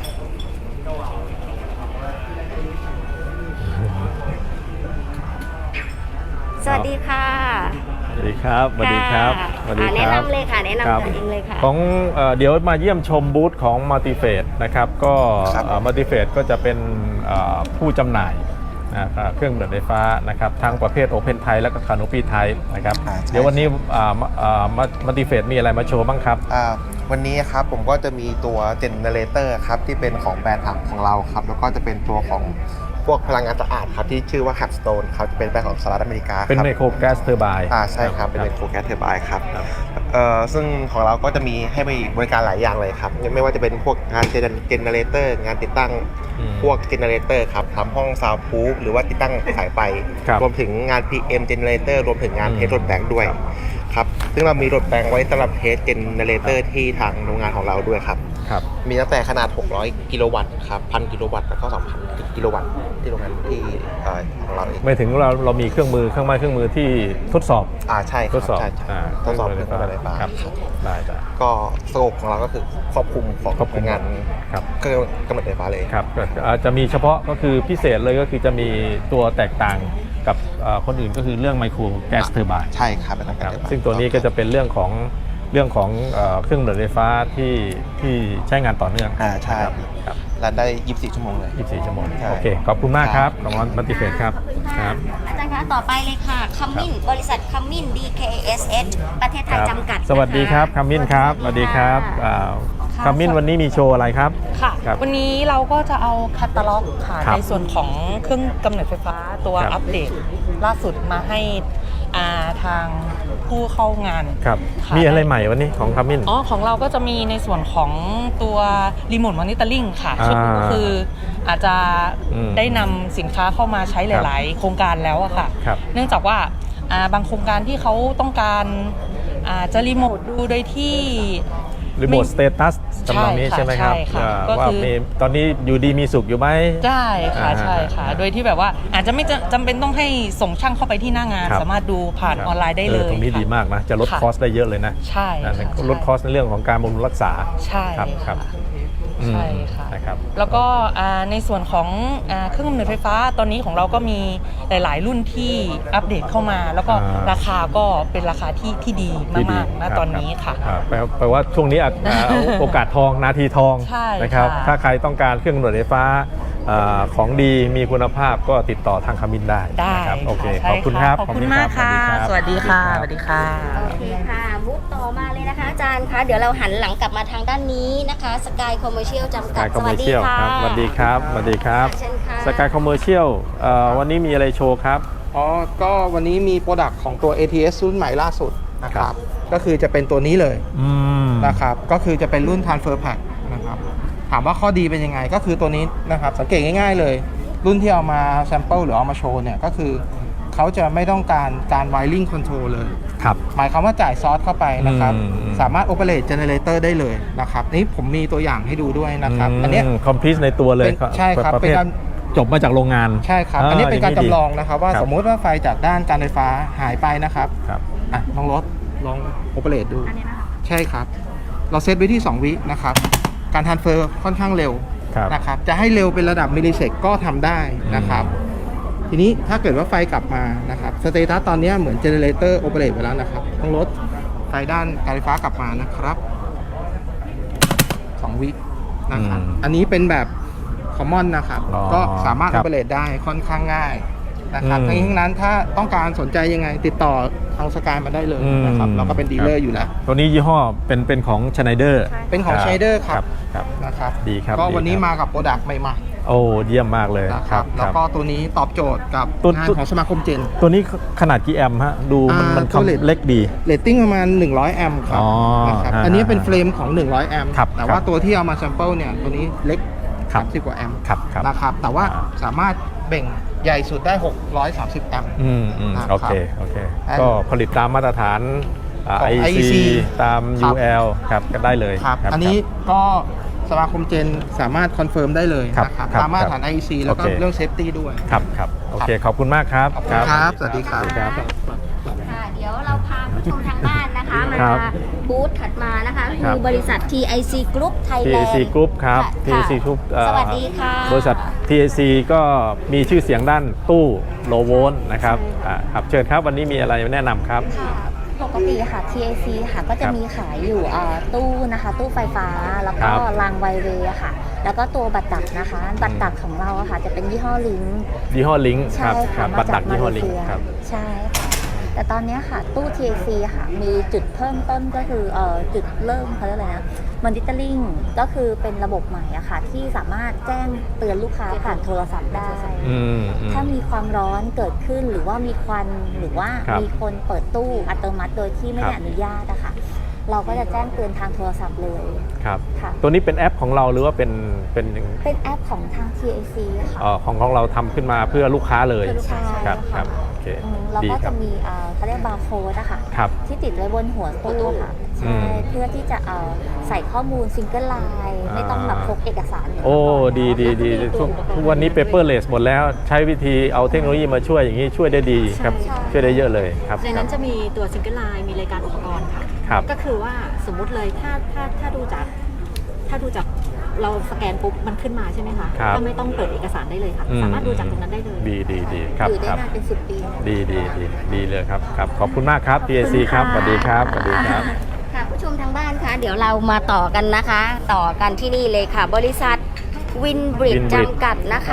[SPEAKER 1] สวัสดีค่ะ
[SPEAKER 2] สวัสดีครับสวัสดีครับ
[SPEAKER 1] ค่ะ
[SPEAKER 2] สวัสดี
[SPEAKER 1] อ่า
[SPEAKER 2] ค
[SPEAKER 1] แนะ
[SPEAKER 2] รับ
[SPEAKER 1] นำเลยค่ะแนะนำ
[SPEAKER 2] ครับ
[SPEAKER 1] ตัวเองเลยค่ะ
[SPEAKER 2] ของเอ่อเดี๋ยวมาเยี่ยมชมบูธของ Multiphase นะครับก็
[SPEAKER 8] ครับ
[SPEAKER 2] เอ่อ Multiphase ก็จะเป็นเอ่อผู้จำหน่ายนะครับเครื่องดื่มไฟฟ้านะครับทั้งประเภท Open Type และก็ Canopy Type นะครับ
[SPEAKER 8] อ่าใช่
[SPEAKER 2] เดี๋ยววันนี้อ่าอ่า Multiphase มีอะไรมาโชว์บ้างครับ
[SPEAKER 8] อ่าวันนี้ครับผมก็จะมีตัวเจเนเรเตอร์ครับที่เป็นของแบรนด์ถังของเราครับแล้วก็จะเป็นตัวของพวกพลังงานสะอาดครับที่ชื่อว่า Capstone ครับจะเป็นแบรนด์ของสหรัฐอเมริกา
[SPEAKER 2] เป็น
[SPEAKER 8] ครับ
[SPEAKER 2] ไมโครแก๊สเทอร์ไบน์
[SPEAKER 8] อ่าใช่ครับเป็นไมโครแก๊สเทอร์ไบน์ครับเอ่อซึ่งของเราก็จะมีให้บริการหลายอย่างเลยครับไม่ว่าจะเป็นพวกงานเจเนเรเตอร์งานติดตั้ง
[SPEAKER 2] อืม
[SPEAKER 8] พวกเจเนเรเตอร์ครับทำห้องซาวด์พูฟหรือว่าติดตั้งสายไฟ
[SPEAKER 2] ครับ
[SPEAKER 8] รวมถึงงาน พี เอ็ม Generator รวมถึงงาน
[SPEAKER 2] อืม
[SPEAKER 8] เทสรถแบงค์ด้วยครับซึ่งเรามีรถแบงค์ไว้สำหรับเทสเจเนเรเตอร์ที่ทางโรงงานของเราด้วยครับ
[SPEAKER 2] ครับ
[SPEAKER 8] มีตั้งแต่ขนาด หกร้อย กิโลวัตต์ครับ หนึ่งพัน กิโลวัตต์ แล้วก็ สองพัน กิโลวัตต์ที่โรงงานที่เอ่อของเราเอง
[SPEAKER 2] ไม่ถึงเราเรามีเครื่องมือเครื่องไม้เครื่องมือที่ทดสอบ
[SPEAKER 8] อ่าใช่ค
[SPEAKER 2] ท
[SPEAKER 8] รับ
[SPEAKER 2] ดสอบ
[SPEAKER 8] ใช่ใช่
[SPEAKER 2] อ่า
[SPEAKER 8] ทดสอบเครื่องมือไฟฟ้า
[SPEAKER 2] ครับ
[SPEAKER 8] ครับ
[SPEAKER 2] ได้ได้
[SPEAKER 8] ก็สโคปของเราก็คือครอบคลุมของ
[SPEAKER 2] ครอบคลุม
[SPEAKER 8] งาน
[SPEAKER 2] ครับ
[SPEAKER 8] เครื่องกำเนิดไฟฟ้าเลย
[SPEAKER 2] ครับก็อาจจะมีเฉพาะก็คือพิเศษเลยก็คือจะมีตัวแตกต่างกับเอ่อคนอื่นก็คือเรื่องไมโครแก๊สเทอร์ไบน์
[SPEAKER 8] ใช่ครับเป็น
[SPEAKER 2] ค
[SPEAKER 8] กา
[SPEAKER 2] รั
[SPEAKER 8] ร
[SPEAKER 2] บ
[SPEAKER 8] ไฟฟ้า
[SPEAKER 2] ซึ่งตัวนี้ก็จะเป็นเรื่องของเรื่องของเอ่อเครื่องดื่มไฟฟ้าที่ที่ใช้งานต่อเนื่อง
[SPEAKER 8] อ่าใช่
[SPEAKER 2] ครับครับ
[SPEAKER 8] รันได้ ยี่สิบสี่ ชั่วโมงเลย
[SPEAKER 2] ยี่สิบสี่ชั่วโมง
[SPEAKER 8] ใช่
[SPEAKER 2] โอเคขอบคุณมากครับ
[SPEAKER 8] ครับ
[SPEAKER 2] ของมัลติเฟสครับ
[SPEAKER 1] ขอบคุณ
[SPEAKER 2] ค
[SPEAKER 1] ค่ะ
[SPEAKER 2] รับ
[SPEAKER 1] อาจารย์คะต่อไปเลยค่ะคัมมินบริษัทคัมมิน ดี เค เอส เอช ประเทศไทย
[SPEAKER 2] ครับ
[SPEAKER 1] จำกัด
[SPEAKER 2] สวัสดีครับ
[SPEAKER 1] นะะ
[SPEAKER 2] คัมมินครับสวัสดีครับ
[SPEAKER 1] ะ
[SPEAKER 2] อ่า
[SPEAKER 3] ค่ะ
[SPEAKER 2] คัมมินวันนี้มีโชว์อะไรครับ
[SPEAKER 3] ค่ะ
[SPEAKER 2] ครับ
[SPEAKER 3] วันนี้เราก็จะเอาแคตตาล็อกค่ะ
[SPEAKER 2] ครับ
[SPEAKER 3] ในส่วนของเครื่องกำเนิดไฟฟ้าตัว
[SPEAKER 2] ครับ
[SPEAKER 3] อัปเดตล่าสุดมาให้อ่าทางผู้เข้างาน
[SPEAKER 2] ครับ
[SPEAKER 3] ค่ะ
[SPEAKER 2] มีอะไรใหม่วันนี้ของคัมมิน
[SPEAKER 3] อ๋อของเราก็จะมีในส่วนของตัวรีโมทมอนิเตอร์ลิงค่ะ
[SPEAKER 2] อ่า
[SPEAKER 3] ชุดนี้ก็คืออาจจะ
[SPEAKER 2] อืม
[SPEAKER 3] ได้นำสินค้าเข้ามาใช้หลาย ๆ โครงการแล้วอะค่ะ
[SPEAKER 2] ครับ
[SPEAKER 3] เนื่องจากว่าอ่าบางโครงการที่เขาต้องการอ่าจะรีโมทดูโดยที่
[SPEAKER 2] รีโมทสเตตัสจำลองนี้
[SPEAKER 3] ใช่
[SPEAKER 2] ใช่ไหมครับ
[SPEAKER 3] ใช่ค่ะ
[SPEAKER 2] อ่า
[SPEAKER 3] ก็
[SPEAKER 2] ว่า
[SPEAKER 3] คือ
[SPEAKER 2] มีตอนนี้อยู่ดีมีสุขอยู่ไหม
[SPEAKER 3] ได้ค่ะ
[SPEAKER 2] อ่า
[SPEAKER 3] ใช่ค่ะ โดยที่แบบว่าอาจจะไม่จำจำเป็นต้องให้ส่งช่างเข้าไปที่หน้างาน
[SPEAKER 2] ครับ
[SPEAKER 3] สามารถดูผ่านออนไลน์ได้เลย
[SPEAKER 2] ตรงนี้
[SPEAKER 3] ค่ะ
[SPEAKER 2] ดีมากนะ จะลด
[SPEAKER 3] ค่ะ
[SPEAKER 2] คอสได้เยอะเลยนะ
[SPEAKER 3] ใช่
[SPEAKER 2] นะ
[SPEAKER 3] ค่ะ
[SPEAKER 2] ลดคอสในเรื่องของการบำรุงรักษา
[SPEAKER 3] ใช่
[SPEAKER 2] ครับครั
[SPEAKER 3] ค่ะ
[SPEAKER 2] บ อืม
[SPEAKER 3] ใช่ค่ะ
[SPEAKER 2] นะครับ
[SPEAKER 3] แล้วก็อ่าในส่วนของอ่าเครื่องกำเนิดไฟฟ้าตอนนี้ของเราก็มีหลาย ๆ รุ่นที่อัปเดตเข้ามา แล้วก็
[SPEAKER 2] อ่า
[SPEAKER 3] ราคาก็เป็นราคาที่ที่ดี
[SPEAKER 2] ที่ดี
[SPEAKER 3] มากๆนะครับ ตอนนี้ค่ะ
[SPEAKER 2] อ่าแปลแปลว่าช่วงนี้อาจอ่าโอกาสทองนาทีทอง
[SPEAKER 3] ใช่
[SPEAKER 2] นะครับ
[SPEAKER 3] ค่ะ
[SPEAKER 2] ถ้าใครต้องการเครื่องกำเนิดไฟฟ้าอ่าของดีมีคุณภาพก็ติดต่อทางคามินได้
[SPEAKER 3] ได้
[SPEAKER 2] นะครับโอเค
[SPEAKER 3] ใช่
[SPEAKER 2] ขอบคุณครับ
[SPEAKER 3] ขอบคุณ
[SPEAKER 2] รั
[SPEAKER 3] มากค่ะ สวัสดีค่ะสวัสดีค่ะ
[SPEAKER 1] โอเคค่ะบูธต่อมาเลยนะคะอาจารย์คะเดี๋ยวเราหันหลังกลับมาทางด้านนี้นะคะสกายคอมเมอร์เชียลจำกั
[SPEAKER 2] ส
[SPEAKER 1] ด
[SPEAKER 2] กายคอมเมอร์เชียลครับสวัสดีครับสวัสดีครับ
[SPEAKER 1] เชิญค่ะ
[SPEAKER 2] สกายคอมเมอร์เชียลวันนี้มีอะไรโชว์ครับ
[SPEAKER 6] อ๋อ ก็วันนี้มีโปรดักต์ของตัว เอ ที เอส รุ่นใหม่ล่าสุดนะค
[SPEAKER 2] ครั
[SPEAKER 6] รับ
[SPEAKER 2] บ
[SPEAKER 6] ก็คือจะเป็นตัวนี้เลย
[SPEAKER 2] อืม
[SPEAKER 6] นะครับ ก็คือจะเป็นรุ่น Transfer Pack นะครับ ถามว่าข้อดีเป็นยังไง ก็คือตัวนี้นะครับ สังเกตง่ายๆเลย รุ่นที่เอามาแซมเปิลหรือเอามาโชว์เนี่ย ก็คือเขาจะไม่ต้องการการ wiring control เลย
[SPEAKER 2] ครับ
[SPEAKER 6] หมายความว่าจ่ายซอสเข้าไปนะครับ
[SPEAKER 2] อืมอืม
[SPEAKER 6] สามารถ operate generator ได้เลยนะครับ นี่ผมมีตัวอย่างให้ดูด้วยนะครับ อันเนี้ย
[SPEAKER 2] คอมพิวในตัวเลย
[SPEAKER 6] เป็นใช่ครับ
[SPEAKER 2] ประ
[SPEAKER 6] เป็
[SPEAKER 2] เภ
[SPEAKER 6] น
[SPEAKER 2] ท
[SPEAKER 6] การ
[SPEAKER 2] จบมาจากโรงงาน
[SPEAKER 6] ใช่ครับ อันนี้เป็นการจำลองนะครับว่า
[SPEAKER 2] ครับ
[SPEAKER 6] สมมุติว่าไฟจากด้านการไฟฟ้าหายไปนะครับ
[SPEAKER 2] ครับ
[SPEAKER 6] อ่ะลองรถลองโอเปเรตดูใช่ครับ เราเซตไว้ที่ สอง วินะครับ การทรานสเฟอร์ค่อนข้างเร็ว
[SPEAKER 2] ครับ
[SPEAKER 6] นะครับ จะให้เร็วเป็นระดับมิลลิเซกก็ทำได้นะครับ
[SPEAKER 2] อ
[SPEAKER 6] ทีนี้ถ้าเกิดว่าไฟกลับมานะครับสเตตัสตอนนี้เหมือนเจเนเรเตอร์โอเปเรตไปแล้วนะครับต้องลดไฟด้านการไฟฟ้ากลับมานะครับสองวินะครับ
[SPEAKER 2] อืม
[SPEAKER 6] อันนี้เป็นแบบคอมมอนนะครับ
[SPEAKER 2] อ๋อ
[SPEAKER 6] ก็สามารถ
[SPEAKER 2] ครั
[SPEAKER 6] โอบ เปเรตได้ค่อนข้างง่ายนะครับ
[SPEAKER 2] อืม
[SPEAKER 6] ทั้งนี้ทั้งนั้นถ้าต้องการสนใจยังไงติดต่อทางสกายมาได้เลยนะครับ
[SPEAKER 2] อืม
[SPEAKER 6] เราก็เป็นดีลเลอร์อยู่แล้ว
[SPEAKER 2] ตัวนี้ยี่ห้อเป็นเป็นของ Schneider
[SPEAKER 6] เป็นของ Schneider ครับ
[SPEAKER 2] ครับ
[SPEAKER 6] นะครับ
[SPEAKER 2] ดีครับ
[SPEAKER 6] ก็
[SPEAKER 2] ดี
[SPEAKER 6] วันนี้
[SPEAKER 2] ครับ
[SPEAKER 6] มากับโปรดักต์ใหม่
[SPEAKER 2] โอ้เยี่ยมมากเลย
[SPEAKER 6] ๆนะครับแล้วก็ตัวนี้ตอบโจทย์กับ
[SPEAKER 2] ตัว
[SPEAKER 6] งาน
[SPEAKER 2] ตัว
[SPEAKER 6] ของสมาคมเจน
[SPEAKER 2] ตัวนี้ขนาดกี่แอมป์ฮะดูมัน
[SPEAKER 6] อ่า
[SPEAKER 2] มัน
[SPEAKER 6] ตัวเลท
[SPEAKER 2] คำเล็กดี
[SPEAKER 6] เรตติ้งประมาณหนึ่งร้อยแอมป์ครับ
[SPEAKER 2] อ๋อ
[SPEAKER 6] นะครับ
[SPEAKER 2] อ่า
[SPEAKER 6] อันนี้เป็นเฟรมของหนึ่งร้อยแอมป์
[SPEAKER 2] ครับ
[SPEAKER 6] แต่
[SPEAKER 2] ค
[SPEAKER 6] ว่า
[SPEAKER 2] รับ
[SPEAKER 6] ตัวที่เอามาแซมเปิลเนี่ยตัวนี้เล็ก
[SPEAKER 2] ครับ
[SPEAKER 6] สามสิบกว่าแอมป์
[SPEAKER 2] ครับครับ
[SPEAKER 6] นะครับแต่ว่า
[SPEAKER 2] อ่า
[SPEAKER 6] สามารถเบ่งใหญ่สุดได้หกร้อยสามสิบแอมป์
[SPEAKER 2] อืมอืม
[SPEAKER 6] นะครับ
[SPEAKER 2] โอเคโอเค
[SPEAKER 6] อัน
[SPEAKER 2] ก็ผลิตตามมาตรฐานอ่า
[SPEAKER 6] ของ
[SPEAKER 2] ไอ
[SPEAKER 6] ไอ
[SPEAKER 2] ซี
[SPEAKER 6] ซี
[SPEAKER 2] ตาม
[SPEAKER 6] ครับ
[SPEAKER 2] ยู แอล ครับก็ได้เลย
[SPEAKER 6] ครับอันนี้ก็สมาคมเจนสามารถคอนเฟิร์มได้เลย
[SPEAKER 2] ครับ
[SPEAKER 6] นะครับ
[SPEAKER 2] ครับ
[SPEAKER 6] ตามมาตรฐาน ไอ ซี แล้วก็
[SPEAKER 2] โอเค
[SPEAKER 6] เรื่องเซฟตี้ด้วย
[SPEAKER 2] ครับครับโอเคขอบคุณมากครับ
[SPEAKER 6] ขอบคุณครับสวัสดีครับ
[SPEAKER 2] ครับ
[SPEAKER 1] ค่ะเดี๋ยวเราพาผู้ชมทางบ้านนะคะ มา
[SPEAKER 2] ครับ
[SPEAKER 1] บูธถัดมานะคะ
[SPEAKER 2] ค
[SPEAKER 1] คื
[SPEAKER 2] รับ
[SPEAKER 1] อบริษัท ที ไอ ซี Group
[SPEAKER 2] ที
[SPEAKER 1] Thailand
[SPEAKER 2] ซี Group ครับ
[SPEAKER 1] ค่ะ
[SPEAKER 2] ที ซี Group เอ่อ
[SPEAKER 1] สวัสดีค่ะ
[SPEAKER 2] บริษัท ที ไอ ซี ก็มีชื่อเสียงด้านตู้โลโวลต์นะครับอ่าครับเชิญครับวันนี้มีอะไรแนะนำครับ
[SPEAKER 1] ค่ะปกติค่ะ ที ไอ ซี ค่ะก็จะ
[SPEAKER 2] ครับ
[SPEAKER 1] มีขายอยู่เอ่อตู้นะคะ ตู้ไฟฟ้าแล้ว
[SPEAKER 2] ค
[SPEAKER 1] ก็
[SPEAKER 2] รับ
[SPEAKER 1] รางไวเวย์ค่ะ แล้วก็ตัวบัตรดักนะคะ บัตรดักของเราอะค่ะจะเป็นยี่ห้อลิง
[SPEAKER 2] ยี่ห้อลิงค
[SPEAKER 1] ใช่
[SPEAKER 2] รับค
[SPEAKER 1] ค่ะ
[SPEAKER 2] รับ
[SPEAKER 1] มา
[SPEAKER 2] บัตร
[SPEAKER 1] จา
[SPEAKER 2] ดั
[SPEAKER 1] ก
[SPEAKER 2] ก
[SPEAKER 1] มา
[SPEAKER 2] ยี่ห้อ
[SPEAKER 1] เล
[SPEAKER 2] ลิง
[SPEAKER 1] เซีย
[SPEAKER 2] ครับ
[SPEAKER 1] ใช่ค่ะ แต่ตอนเนี้ยค่ะตู้ ที ไอ ซี ค่ะมีจุดเพิ่มต้นก็คือเอ่อจุดเริ่มเขาเรียกอะไรนะมอนิเตอร์ลิงก็คือเป็นระบบใหม่อะค่ะที่สามารถแจ้งเตือนลูกค้าผ่านโทรศัพท์ได้
[SPEAKER 2] อืมอืม
[SPEAKER 1] ถ้ามีความร้อนเกิดขึ้นหรือว่ามีควันหรือว่า
[SPEAKER 2] ครับ
[SPEAKER 1] มีคนเปิดตู้อัตโนมัติโดยที่ไม่ได้
[SPEAKER 2] ครับ
[SPEAKER 1] อนุญาตอะค่ะเราก็จะแจ้งเตือนทางโทรศัพท์เลย
[SPEAKER 2] ครับ
[SPEAKER 1] ค่ะ
[SPEAKER 2] ตัวนี้เป็นแอปของเราหรือว่าเป็นเป็น
[SPEAKER 1] เป็นแอปของทาง ที ไอ ซี ค่ะ
[SPEAKER 2] เอ่อของของเราทำขึ้นมาเพื่อลูกค้าเลย
[SPEAKER 1] เพื่อลูกค้า
[SPEAKER 2] ครับ
[SPEAKER 1] ใช่
[SPEAKER 2] ครั
[SPEAKER 1] ค่ะ
[SPEAKER 2] บโอเค
[SPEAKER 1] อืมเรา
[SPEAKER 2] ดี
[SPEAKER 1] ก็
[SPEAKER 2] ครั
[SPEAKER 1] จะ
[SPEAKER 2] บ
[SPEAKER 1] มีเอ่อเขาเรียกบาร์โค้ดอะค่ะ
[SPEAKER 2] ครับ
[SPEAKER 1] ที่ติดไว้บนหัวตู้ค่ะ
[SPEAKER 2] อื
[SPEAKER 1] ใช่
[SPEAKER 2] ม
[SPEAKER 1] เพื่อที่จะเอ่อใส่ข้อมูลซิงเกิลไลน์ไม่ต้องแบบพกเอกสารเหมืน
[SPEAKER 2] โอ้
[SPEAKER 1] เมื่ก่น
[SPEAKER 2] ดีดีดีทุกทุกวันนี้เปเปอร์เลสหมดแล้วใช้วิธีเอาเทคโนโลยีมาช่วยอย่างนี้ช่วยได้ดีครับ
[SPEAKER 1] ใช่
[SPEAKER 2] ช่วยได้เยอะเลยครับ
[SPEAKER 9] ในนั้นจะมีตัวซิงเกิลไลน์มีรายการอุปกรณ์ค่ะ
[SPEAKER 2] ครับ
[SPEAKER 9] ก็คือว่าสมมุติเลยถ้าถ้าถ้าดูจากถ้าดูจากเราสแกนปุ๊บมันขึ้นมาใช่ไหมคะ
[SPEAKER 2] ครับ
[SPEAKER 9] ก็ไม่ต้องเปิดเอกสารได้เลยค่ะ
[SPEAKER 2] อื
[SPEAKER 9] สามารถดูจากตรงนั้นได้เลย
[SPEAKER 2] ดีดีดีครับ
[SPEAKER 1] อยู่ได้
[SPEAKER 2] ครับ
[SPEAKER 1] นานเป็นสิบปีนะ
[SPEAKER 2] ดีดีดีดีเลยครับครับขอบคุณมากครับ ที ไอ ซี ครับสวัสดีครับสวัสดีครับ
[SPEAKER 1] ค่ะผู้ชมทางบ้านคะเดี๋ยวเรามาต่อกันนะคะ ต่อกันที่นี่เลยค่ะ บริษัทวินบริด
[SPEAKER 2] Winbridge
[SPEAKER 1] จำกัดนะคะ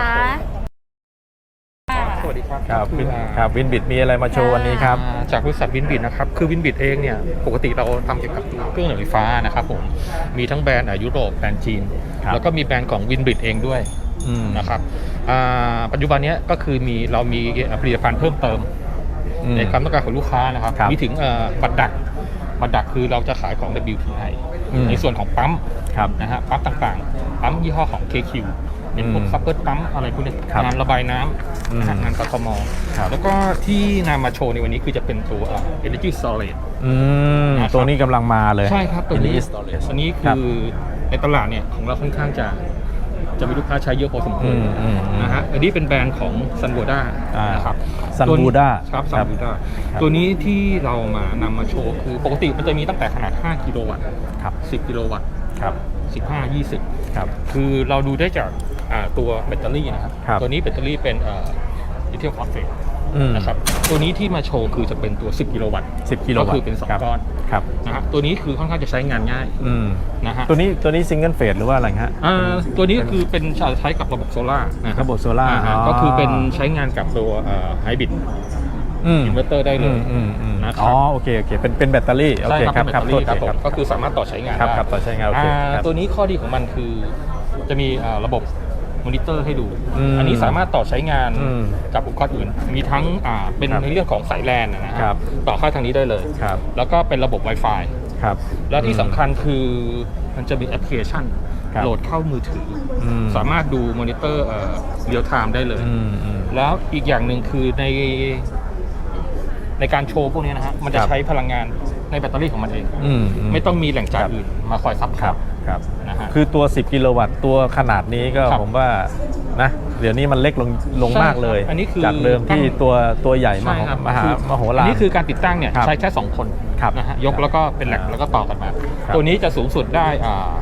[SPEAKER 6] สวัสดีครับ
[SPEAKER 2] ครับวินครับวินบิดมีอะไรมาโชว์วันนี้ครับ
[SPEAKER 10] อ่าจากบริษัทวินบิดนะครับคือวินบิดเองเนี่ยปกติเราทำเกี่ยวกับเครื่องหน่วยไฟฟ้านะครับผมมีทั้งแบรนด์อ่ะยุโรปแบรนด์จีน
[SPEAKER 2] ครับ
[SPEAKER 10] แล้วก็มีแบรนด์ของวินบิดเองด้วย
[SPEAKER 2] อืม
[SPEAKER 10] นะครับอ่าปัจจุบันเนี้ยก็คือมีเรามีผลิตภัณฑ์เพิ่มเติม
[SPEAKER 2] อืม
[SPEAKER 10] ในความต้องการของลูกค้านะครับ
[SPEAKER 2] ครับ
[SPEAKER 10] มีถึงเอ่อบัตรดักบัตรดักคือเราจะขายของ ดับเบิลยู ที ไอ
[SPEAKER 2] อืม
[SPEAKER 10] ในส่วนของปั๊ม
[SPEAKER 2] ครับ
[SPEAKER 10] นะฮะปั๊มต่างๆปั๊มยี่ห้อของ เค คิว เป็นพวก
[SPEAKER 2] อืม
[SPEAKER 10] ซัพเปอร์ปั๊มอะไรพวกเนี้ย
[SPEAKER 2] ครับ
[SPEAKER 10] งานระบายน้
[SPEAKER 2] อืม
[SPEAKER 10] ำนะฮะงานกทม
[SPEAKER 2] ครับ
[SPEAKER 10] แล้วก็ที่นำมาโชว์ในวันนี้คือจะเป็นตัวเอ่อ Energy Storage
[SPEAKER 2] อืม
[SPEAKER 10] นะครับ
[SPEAKER 2] ตัวนี้กำลังมาเลย
[SPEAKER 10] ใช่ครับตัวนี้
[SPEAKER 2] Energy Storage
[SPEAKER 10] อันนี้
[SPEAKER 2] ครั
[SPEAKER 10] คื
[SPEAKER 2] บ
[SPEAKER 10] อในตลาดเนี่ยของเราค่อนข้างจะจะมีลูกค้าใช้เยอะพอสมควร
[SPEAKER 2] อืมอืมอืม
[SPEAKER 10] นะฮะอันนี้เป็นแบรนด์ของ ซันโวด้า
[SPEAKER 2] อ่าน
[SPEAKER 10] นะครับ
[SPEAKER 2] Sun
[SPEAKER 10] ตัวนี้
[SPEAKER 2] Buddha
[SPEAKER 10] ครับ
[SPEAKER 2] ค
[SPEAKER 10] ซั
[SPEAKER 2] รั
[SPEAKER 10] น
[SPEAKER 2] บ
[SPEAKER 10] โวด้า
[SPEAKER 2] ครับ
[SPEAKER 10] ตัวนี้ที่เรามานำมาโชว์คือปกติมันจะมีตั้งแต่ขนาดห้ากิโลวัตต์
[SPEAKER 2] ครับ
[SPEAKER 10] สิบกิโลวัตต์
[SPEAKER 2] ครับ
[SPEAKER 10] สิบห้า ยี่สิบ
[SPEAKER 2] ครับ
[SPEAKER 10] คือเราดูได้จากอ่าตัวแบตเตอรี่นะครับ
[SPEAKER 2] ครับ
[SPEAKER 10] ตัวนี้แบตเตอรี่เป็นลิเธียมฟอสเฟต
[SPEAKER 2] อืม
[SPEAKER 10] นะครับตัวนี้ที่มาโชว์คือจะเป็นตัว สิบ กิโลวัตต์
[SPEAKER 2] สิบกิโลวัตต์
[SPEAKER 10] ก็คือเป็นสอง
[SPEAKER 2] ครับ
[SPEAKER 10] ก้อน
[SPEAKER 2] ครับ
[SPEAKER 10] นะฮะตัวนี้คือค่อนข้างจะใช้งานง่าย
[SPEAKER 2] อืม
[SPEAKER 10] นะฮะ
[SPEAKER 2] ตัวนี้ตัวนี้ซิงเกิลเฟสหรือว่าอะไรฮะ
[SPEAKER 10] อ่าตัวนี้คือเป็นใช้กับระบบโซล่านะค
[SPEAKER 2] ระบบโซล่า
[SPEAKER 10] อ่ฮะ
[SPEAKER 2] อ๋อ
[SPEAKER 10] ก็คือเป็นใช้งานกับตัวไฮบริด
[SPEAKER 2] อืม
[SPEAKER 10] อินเวอร์เตอร์ได้เลย
[SPEAKER 2] อืมอืมอืม
[SPEAKER 10] นะครับ
[SPEAKER 2] อ๋อโอเคโอเคเป็นเป็นแบตเตอรี่โอ
[SPEAKER 10] ใช่
[SPEAKER 2] เค
[SPEAKER 10] ครับ
[SPEAKER 2] ครับ
[SPEAKER 10] เป็นแบตเตอรี่
[SPEAKER 2] ครับ
[SPEAKER 10] ครับผม
[SPEAKER 2] โทษที
[SPEAKER 10] ก็คือสามารถต่อใช้งาน
[SPEAKER 2] ครับ
[SPEAKER 10] ได้
[SPEAKER 2] ครับต่อใช้งานโอเค
[SPEAKER 10] อ่า
[SPEAKER 2] ครับ
[SPEAKER 10] ตัวนี้ข้อดีของมันคือจะมีอ่าระบบมอนิเตอร์ให้ดู
[SPEAKER 2] อืม
[SPEAKER 10] อันนี้สามารถต่อใช้งาน
[SPEAKER 2] อืม
[SPEAKER 10] กับอุปกรณ์อื่น มีทั้งอ่าเป็น
[SPEAKER 2] ครับ
[SPEAKER 10] ในเรื่องของสายแลนนะฮะ
[SPEAKER 2] ครับ
[SPEAKER 10] ต่อเข้าทางนี้ได้เลย
[SPEAKER 2] ครับ
[SPEAKER 10] แล้วก็เป็นระบบ Wi-Fi
[SPEAKER 2] ครับ
[SPEAKER 10] แล้วที่สำคัญคือมันจะมีแอปพลิเคชัน
[SPEAKER 2] ครับ
[SPEAKER 10] โหลดเข้ามือถืออ
[SPEAKER 2] ม
[SPEAKER 10] สามารถดูมอนิเตอร์เรียลไทม์ได้เลย
[SPEAKER 2] อืมอืม
[SPEAKER 10] แล้วอีกอย่างหนึ่งคือในในการโชว์พวกนี้นะฮะมันจะ
[SPEAKER 2] ครับ
[SPEAKER 10] ใช้พลังงานในแบตเตอรี่ของมันเอง
[SPEAKER 2] อืมอืม
[SPEAKER 10] ไม่ต้องมีแหล่งจ่าย
[SPEAKER 2] ครับ
[SPEAKER 10] อื่นมาคอยซับพ
[SPEAKER 2] ค
[SPEAKER 10] อ
[SPEAKER 2] รั
[SPEAKER 10] ร์
[SPEAKER 2] บ
[SPEAKER 10] ต
[SPEAKER 2] ครับ
[SPEAKER 10] นะฮะ
[SPEAKER 2] คือตัว สิบ กิโลวัตต์ตัวขนาดนี้ก็
[SPEAKER 10] ครับ
[SPEAKER 2] ผมว่านะเดี๋ยวนี้มันเล็กลงลง
[SPEAKER 10] ใช่
[SPEAKER 2] มากเลย
[SPEAKER 10] ครับอันนี้คือ
[SPEAKER 2] จากเดิมที่ตัวตัวใหญ่ม
[SPEAKER 10] ใช่
[SPEAKER 2] หา
[SPEAKER 10] ครับ
[SPEAKER 2] มหา
[SPEAKER 10] คือ
[SPEAKER 2] มโห
[SPEAKER 10] อั
[SPEAKER 2] ฬาน ร
[SPEAKER 10] นี้คือการติดตั้งเนี่ย
[SPEAKER 2] ครับ
[SPEAKER 10] ใช้แค่สองคน
[SPEAKER 2] ครับ
[SPEAKER 10] นะฮะยก
[SPEAKER 2] ครับ
[SPEAKER 10] แล้วก็เป็นแหลก
[SPEAKER 2] อ่า
[SPEAKER 10] แล้วก็ต่อกันมา
[SPEAKER 2] ครับ
[SPEAKER 10] ตัวนี้จะสูงสุดได้อ่า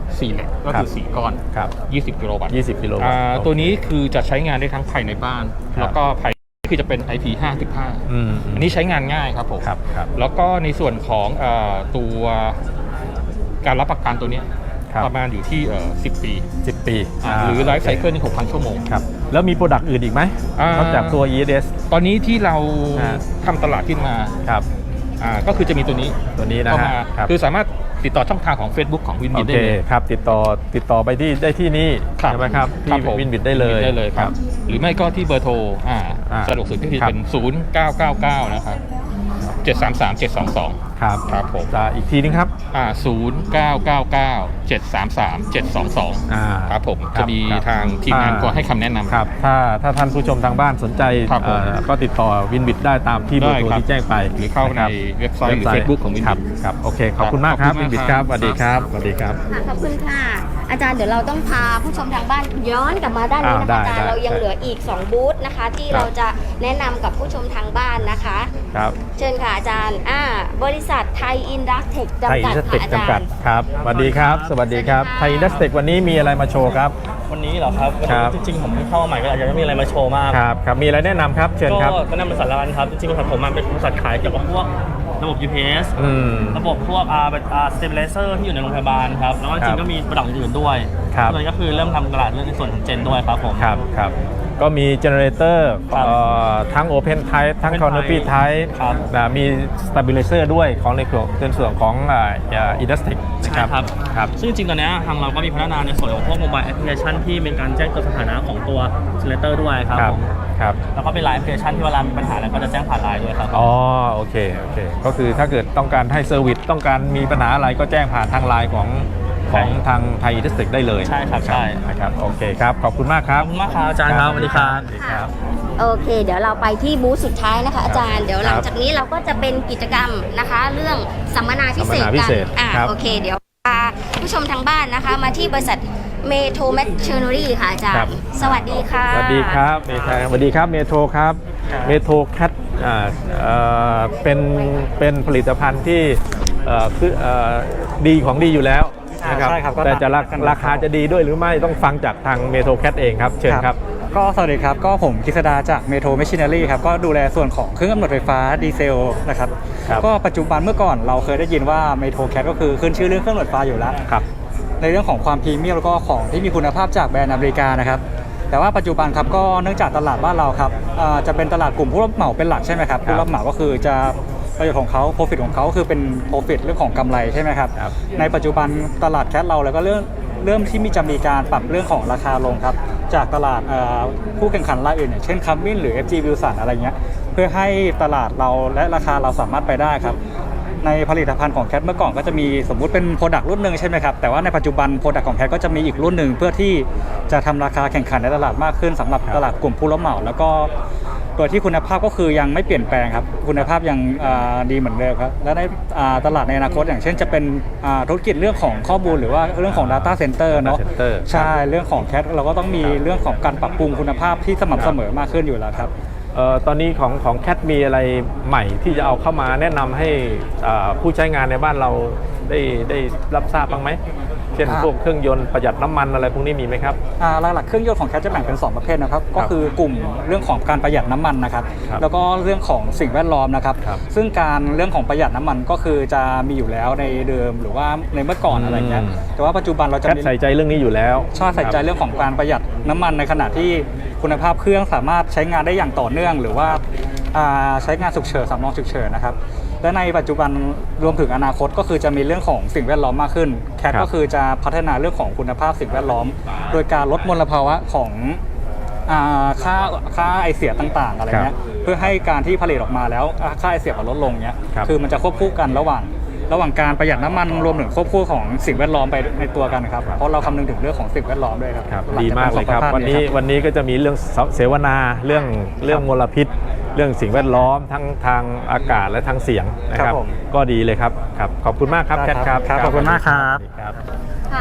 [SPEAKER 10] สี่เหล็กก็คือสี่ก้อน
[SPEAKER 2] ครับ
[SPEAKER 10] ยี่สิบกิโลวัตต์
[SPEAKER 2] ยี่สิบกิโลวัตต์
[SPEAKER 10] อ่า
[SPEAKER 2] โอเค
[SPEAKER 10] ตัวนี้คือจะใช้งานได้ทั้งภายในบ้าน
[SPEAKER 2] ครับ
[SPEAKER 10] แล้วก็ภายคือจะเป็น ไอ พี ห้าสิบห้า
[SPEAKER 2] อืม
[SPEAKER 10] อันนี้ใช้งานง่ายครับผม
[SPEAKER 2] ครับครับ
[SPEAKER 10] แล้วก็ในส่วนของเอ่อตัวการรับประกันตัวเนี้ย
[SPEAKER 2] ครับ
[SPEAKER 10] ประมาณอยู่ที่เอ่อสิบปี
[SPEAKER 2] สิบปี
[SPEAKER 10] อ่าหรือไลฟ์ไซเคิลนี่หกพันชั่วโมง
[SPEAKER 2] ครับแล้วมีโปรดักต์อื่นอีกไหม
[SPEAKER 10] อ่าน
[SPEAKER 2] นอกจากตัว อี เอส เอส
[SPEAKER 10] ตอนนี้ที่เรา
[SPEAKER 2] อ่า
[SPEAKER 10] ทำตลาดขึ้นมา
[SPEAKER 2] ครับ
[SPEAKER 10] อ่าก็คือจะมีตัวนี้
[SPEAKER 2] ตัวนี้นะ
[SPEAKER 10] เข้า
[SPEAKER 2] ฮะ
[SPEAKER 10] มา
[SPEAKER 2] ครับ
[SPEAKER 10] คือสามารถติดต่อช่องทางของ Facebook ของวิน
[SPEAKER 2] โอ
[SPEAKER 10] บิด
[SPEAKER 2] เค
[SPEAKER 10] ได้เลย
[SPEAKER 2] ครับติดต่อติดต่อไปที่ได้ที่นี่
[SPEAKER 10] ครับ
[SPEAKER 2] ใช่ไหมครับ
[SPEAKER 10] ครั
[SPEAKER 2] ที่
[SPEAKER 10] บผม
[SPEAKER 2] วินบิดได้เลย
[SPEAKER 10] ได้เลยครับ หรือไม่ก็ที่เบอร์โทรอ่า
[SPEAKER 2] อ่า
[SPEAKER 10] สะดวกสุดก็คือ
[SPEAKER 2] ครับ
[SPEAKER 10] เป็น ศูนย์ เก้า เก้า เก้า นะครับ เจ็ด สาม สาม เจ็ด สอง สอง
[SPEAKER 2] ครับ
[SPEAKER 10] ครับผม
[SPEAKER 2] จะอีกทีนึงครับ
[SPEAKER 10] อ่าศูนย์ เก้า เก้า เก้า เจ็ด สาม สาม เจ็ด สอง สอง
[SPEAKER 2] อ่า
[SPEAKER 10] ครับผม
[SPEAKER 2] ครับ
[SPEAKER 10] จะมี
[SPEAKER 2] ครับ
[SPEAKER 10] ทางทีมงาน
[SPEAKER 2] อ่า
[SPEAKER 10] ก็ให้คำแนะนำ
[SPEAKER 2] ครับถ้าถ้าท่านผู้ชมทางบ้านสนใจ
[SPEAKER 10] ครับผม
[SPEAKER 2] เอ่อก็ติดต่อวินบิดได้ตามที่เบอร์โทร
[SPEAKER 10] ได้ครับ
[SPEAKER 2] ที่แจ้งไป
[SPEAKER 10] หรือเข้าใน
[SPEAKER 2] ะคบ
[SPEAKER 10] เว็บไซต์หรือ Facebook ของ Winbit
[SPEAKER 2] ครับครับโอเคขอบคุณมากครับ
[SPEAKER 10] ขอบคุณ
[SPEAKER 2] วินบิด
[SPEAKER 10] มาก
[SPEAKER 2] ค
[SPEAKER 10] ครั
[SPEAKER 2] รับบ สวัสดีครับสวัสดีครับ
[SPEAKER 1] ค่ะขอบคุณค่ะ อาจารย์เดี๋ยวเราต้องพาผู้ชมทางบ้านย้อนกลับมาด้านนี้นะคะ
[SPEAKER 2] อ่าได้
[SPEAKER 1] อาจารย์
[SPEAKER 2] ได้
[SPEAKER 1] เรายังเหลืออีกสองบูธนะคะ ที่
[SPEAKER 2] ครับ
[SPEAKER 1] เราจะแนะนำกับผู้ชมทางบ้านนะคะ
[SPEAKER 2] ครับ
[SPEAKER 1] เชิญค่ะอาจารย์อ่าบริษัทไทยอินดัสเทค
[SPEAKER 2] ไทย
[SPEAKER 1] จำ
[SPEAKER 2] อิ
[SPEAKER 1] กัด
[SPEAKER 2] นดัสเทค
[SPEAKER 1] ค่ะอา
[SPEAKER 2] จำกั
[SPEAKER 1] จา
[SPEAKER 2] ด
[SPEAKER 1] รย์
[SPEAKER 2] ครับสวัสดีครับ สวัสดีครับ
[SPEAKER 1] สวัสดีค่ะ
[SPEAKER 2] ไทยอินดัสเทควันนี้มีอะไรมาโชว์ครับ
[SPEAKER 11] วันนี้เหรอครับวัน
[SPEAKER 2] ครั
[SPEAKER 11] นี้
[SPEAKER 2] บ
[SPEAKER 11] จริงๆผมเพิ่งเข้ามาใหม่ก็อาจจะไม่มีอะไรมาโชว์มาก
[SPEAKER 2] ครับครับมีอะไรแนะนำครับเชิญ
[SPEAKER 11] ก็
[SPEAKER 2] ครับ
[SPEAKER 11] แนะนำบริษัทละกันครับจริงๆบริษัทผมมันเป็นบริษัทขายเกี่ยวกับพวกระบบ ยู พี เอส
[SPEAKER 2] อืม
[SPEAKER 11] ระบบพวกอ่าเป็นอ่าสเตเบลเซอร์ที่อยู่ในโรงพยาบาลครับแล้วก็จ
[SPEAKER 2] ครั
[SPEAKER 11] ริ
[SPEAKER 2] บ
[SPEAKER 11] งๆก็มีโปรดักต์อื่นๆด้วย
[SPEAKER 2] ครับ
[SPEAKER 11] เลยก็คือเริ่มทำตลาดเรื่องในส่วนของเจนด้วยครับผม
[SPEAKER 2] ครับครับก็มีเจเนเรเตอร์
[SPEAKER 11] ครับ
[SPEAKER 2] ทั้ง Open Type ทั้ง
[SPEAKER 11] Open
[SPEAKER 2] Canopy
[SPEAKER 11] Type
[SPEAKER 2] Type
[SPEAKER 11] ครับ
[SPEAKER 2] นะมี Stabilizer ด้วยของในส่วนในส่วนของอินดัสติกนะครับ
[SPEAKER 11] ใช่ครับ
[SPEAKER 2] ครับ
[SPEAKER 11] ซึ่งจริงๆตอนนี้ทางเราก็มีพัฒนาในส่วนของพวกโมบายแอปพลิเคชันที่เป็นการแจ้งเตือนสถานะของตัวเจเนเรเตอร์ด้วยครับ
[SPEAKER 2] ครับ
[SPEAKER 11] ผม
[SPEAKER 2] ครับ
[SPEAKER 11] แล้วก็เป็นไลน์แอปพลิเคชันที่เวลามีปัญหาอะไรก็จะแจ้งผ่านไลน์ด้วยครับ
[SPEAKER 2] อ๋อโอเคโอเคก็คือถ้าเกิดต้องการให้เซอร์วิสต้องการมีปัญหาอะไรก็แจ้งผ่านทางไลน์ของของทางไทยอินดัสติกได้เลย
[SPEAKER 11] ใช่ครับใช่
[SPEAKER 2] นะครับโอเคครับขอบคุณมากค
[SPEAKER 11] ข
[SPEAKER 2] รั
[SPEAKER 11] อ
[SPEAKER 2] บบ
[SPEAKER 11] คุณมากครับอาจารย์ครับสวัสดีครับ
[SPEAKER 2] สวัสดีครับ
[SPEAKER 1] โอเค เดี๋ยวเราไปที่บูธสุดท้ายนะคะอาจารย์ เดี๋ยวหลังจากนี้เราก็จะเป็นกิจกรรมนะคะ เรื่องสัมมนาพิเศษ
[SPEAKER 2] สัมมนาพิ
[SPEAKER 1] กัน
[SPEAKER 2] เศษ
[SPEAKER 1] อ่า
[SPEAKER 2] ครับ
[SPEAKER 1] โอเค เดี๋ยวพาผู้ชมทางบ้านนะคะ มาที่บริษัทเมโทรแมชเชอร์นรีค่ะอาจาร
[SPEAKER 2] ครับ
[SPEAKER 1] ย์ สวัสดีค่ะ
[SPEAKER 2] สวัสดีครับเมทสวัสดีครับเมโทรครับเมโทรแคทอ่าเอ่อเป็นเป็นผลิตภัณฑ์ที่เอ่อคือเอ่อดีของดีอยู่แล้วนะครับ
[SPEAKER 12] ใช่ครับก็
[SPEAKER 2] แต่จะรา
[SPEAKER 12] ตามกัน
[SPEAKER 2] ราคาจะดีด้วยหรือไม่ต้องฟังจากทางเมโทรแคทเองครับเชิญครับ
[SPEAKER 12] ก็สวัสดีครับ ก็ผมกฤษดาจากเมโทร Machinery ครับ ก็ดูแลส่วนของเครื่องกำเนิดไฟฟ้าดีเซลนะครับ
[SPEAKER 2] ครับ
[SPEAKER 12] ก็ปัจจุบันเมื่อก่อนเราเคยได้ยินว่าเมโทรแคทก็คือขึ้นชื่อเรื่องเครื่องกำเนิดไฟฟ้าอยู่แล้ว
[SPEAKER 2] ครับ
[SPEAKER 12] ในเรื่องของความพรีเมียมแล้วก็ของที่มีคุณภาพจากแบรนด์อเมริกานะครับ แต่ว่าปัจจุบันครับก็เนื่องจากตลาดบ้านเราครับอ่าจะเป็นตลาดกลุ่มผู้รับเหมาเป็นหลักใช่ไหมครับ ผู้รับเหมาก็คือจะประโยชน์ของเขา profit ของเขาคือเป็น profit เรื่องของกำไรใช่ไหมครับ
[SPEAKER 2] ครับ
[SPEAKER 12] ในปัจจุบันตลาดแคทเราแล้วก็เรื่องเริ่มที่มีจะมีการปรับเรื่องของราคาลงครับ จากตลาดเอ่อผู้แข่งขันรายอื่นอย่างเช่นคัมมินหรือ เอฟ จี Wilson อะไรเงี้ยเพื่อให้ตลาดเราและราคาเราสามารถไปได้ครับ ในผลิตภัณฑ์ของแคทเมื่อก่อนก็จะมีสมมุติเป็นโปรดักต์รุ่นหนึ่งใช่ไหมครับ แต่ว่าในปัจจุบันโปรดักต์ของแคทก็จะมีอีกรุ่นหนึ่งเพื่อที่จะทำราคาแข่งขันในตลาดมากขึ้นสำหรับ
[SPEAKER 2] ครับ
[SPEAKER 12] ตลาดกลุ่มผู้รับเหมา แล้วก็โดยที่คุณภาพก็คือยังไม่เปลี่ยนแปลงครับคุณภาพยังอ่าดีเหมือนเดิมครับและในอ่าตลาดในอนาคตอย่างเช่นจะเป็นอ่าธุรกิจเรื่องของข้อมูลหรือว่าเรื่องของ Data Center เนาะ
[SPEAKER 2] Data Center
[SPEAKER 12] ใช่เรื่องของแคทเราก็ต้องมีเรื่องของการปรับปรุงคุณภาพที่สม่ำเสมอมากขึ้นอยู่แล้วครับ
[SPEAKER 2] เอ่อตอนนี้ของของแคทมีอะไรใหม่ที่จะเอาเข้ามาแนะนำให้อ่าผู้ใช้งานในบ้านเราได้ได้รับทราบบ้างไหมเช่น
[SPEAKER 12] อ่า
[SPEAKER 2] พวกเครื่องยนต์ประหยัดน้ำมันอะไรพวกนี้มีไหมครับ
[SPEAKER 12] อ่าหลักๆเครื่องยนต์ของแคทจะแบ่งเป็นสองประเภทนะครับก็คือกลุ่มเรื่องของการประหยัดน้ำมันนะครับ
[SPEAKER 2] ครับ
[SPEAKER 12] แล้วก็เรื่องของสิ่งแวดล้อมนะครับ
[SPEAKER 2] ครับ
[SPEAKER 12] ซึ่งการเรื่องของประหยัดน้ำมันก็คือจะมีอยู่แล้วในเดิมหรือว่าในเมื่อก่อนอะไรเงี้ย
[SPEAKER 2] อืม
[SPEAKER 12] แต่ว่าปัจจุบันเราจะ
[SPEAKER 2] แคท
[SPEAKER 12] มี
[SPEAKER 2] ใส่ใจเรื่องนี้อยู่แล้ว
[SPEAKER 12] ชอบใส่ใจเรื่องของการประหยัดน้ำมันในขณะที่คุณภาพเครื่องสามารถใช้งานได้อย่างต่อเนื่อง หรือว่าอ่าใช้งานฉุกเฉินสำรองฉุกเฉินนะครับและในปัจจุบันรวมถึงอนาคตก็คือจะมีเรื่องของสิ่งแวดล้อมมากขึ้นแคท
[SPEAKER 2] ครับ
[SPEAKER 12] ก็คือจะพัฒนาเรื่องของคุณภาพสิ่งแวดล้อม โดยการลดมลภาวะของอ่าค่าค่าไอเสียต่างๆอะไรเงี้ยเพื่อให้การที่ผลิตออกมาแล้วอ่าค่าไอเสียมันลดลงเนี้ย
[SPEAKER 2] ครับ
[SPEAKER 12] คือมันจะควบคู่กันระหว่างระหว่างการประหยัดน้ำมันรวมถึงควบคู่ของสิ่งแวดล้อมไปในตัวกันครับเพราะเราคำนึงถึงเรื่องของสิ่งแวดล้อมด้วยครับ
[SPEAKER 2] ครับ
[SPEAKER 12] หลัง
[SPEAKER 2] ดี
[SPEAKER 12] จ
[SPEAKER 2] มากเลยครับ
[SPEAKER 12] ป็
[SPEAKER 2] วันนี้
[SPEAKER 12] สุขภาพ
[SPEAKER 2] วันนี้ก็จะมีเรื่องเสวนาเรื่องเรื่องมลพิษ เรื่องสิ่งแวดล้อมทั้งทางอากาศและทางเสียงนะครับ
[SPEAKER 12] ครับผม
[SPEAKER 2] ก็ดีเลยครับครับขอบคุณมากครับ
[SPEAKER 12] ได้
[SPEAKER 2] แคท
[SPEAKER 12] ครับ
[SPEAKER 2] ครับ
[SPEAKER 12] ครับขอบคุณมากครับ
[SPEAKER 2] สวัสดีครับ
[SPEAKER 1] ค่ะอาจารย์คะ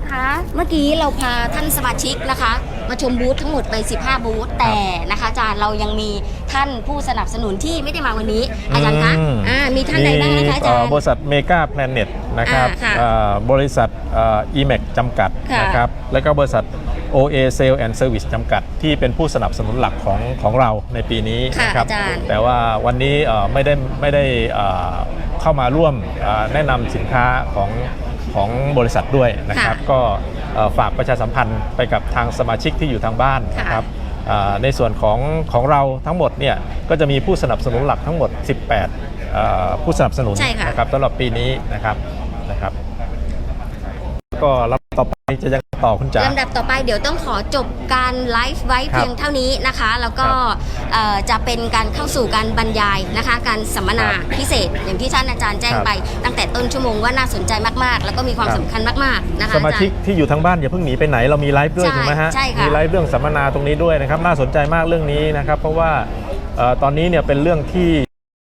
[SPEAKER 1] คะ เมื่อกี้เราพาท่านสมาชิกนะคะ มาชมบูธทั้งหมดไปสิบห้าบูธแต่นะคะอาจารย์เรายังมีท่านผู้สนับสนุนที่ไม่ได้มาวันนี้อาจารย์คะอ่ามีท่านใดบ้างนะคะอาจารย์
[SPEAKER 2] บริษัทเมกาแพลเน็ตนะครับ
[SPEAKER 1] อ่าค่ะ
[SPEAKER 2] อ่าบริษัทเอีแม็กจำกัด
[SPEAKER 1] ค่ะ
[SPEAKER 2] นะครับแล้วก็บริษัท โอ เอ Sale and Service จำกัดที่เป็นผู้สนับสนุนหลักของของเราในปีนี้
[SPEAKER 1] ค่ะ
[SPEAKER 2] นะครับ
[SPEAKER 1] อาจารย์
[SPEAKER 2] แต่ว่าวันนี้เอ่อไม่ได้ไม่ได้เอ่อเข้ามาร่วมเอ่อแนะนำสินค้าของของบริษัทด้วยนะครับ
[SPEAKER 1] ค่ะ
[SPEAKER 2] ก็เอ่อฝากประชาสัมพันธ์ไปกับทางสมาชิกที่อยู่ทางบ้านนะครับอ่าในส่วนของของเราทั้งหมดเนี่ยก็จะมีผู้สนับสนุนหลักทั้งหมด สิบแปดเอ่อผู้สนับสนุน
[SPEAKER 1] ใช่ค่ะ
[SPEAKER 2] นะครับสำหรับปีนี้นะครับนะครับ ก็รับต่อไปจะยังต่อคุณจ๋า
[SPEAKER 1] ลำดับต่อไปเดี๋ยวต้องขอจบการไลฟ์ไว้
[SPEAKER 2] ครับ
[SPEAKER 1] เพียงเท่านี้นะคะ แล้วก็
[SPEAKER 2] ครับ
[SPEAKER 1] เอ่อจะเป็นการเข้าสู่การบรรยายนะคะ การสัมมนา
[SPEAKER 2] ครับ
[SPEAKER 1] พิเศษ อย่างที่ท่านอาจารย์แจ้ง
[SPEAKER 2] ครับ
[SPEAKER 1] ไปตั้งแต่ต้นชั่วโมงว่าน่าสนใจมากๆ แล้วก็มีความ
[SPEAKER 2] ครับ
[SPEAKER 1] สำคัญมากๆนะคะ
[SPEAKER 2] สมาชิก
[SPEAKER 1] อจรย์
[SPEAKER 2] ที่อยู่ทางบ้านอย่าเพิ่งหนีไปไหนเรามีไลฟ์ด้วย
[SPEAKER 1] ใช่
[SPEAKER 2] ถูกไหมฮะ
[SPEAKER 1] ใช่ค่ะ
[SPEAKER 2] มีไลฟ์เรื่องสัมมนาตรงนี้ด้วยนะครับน่าสนใจมากเรื่องนี้นะครับ เพราะว่าเอ่อตอนนี้เนี่ยเป็นเรื่องที่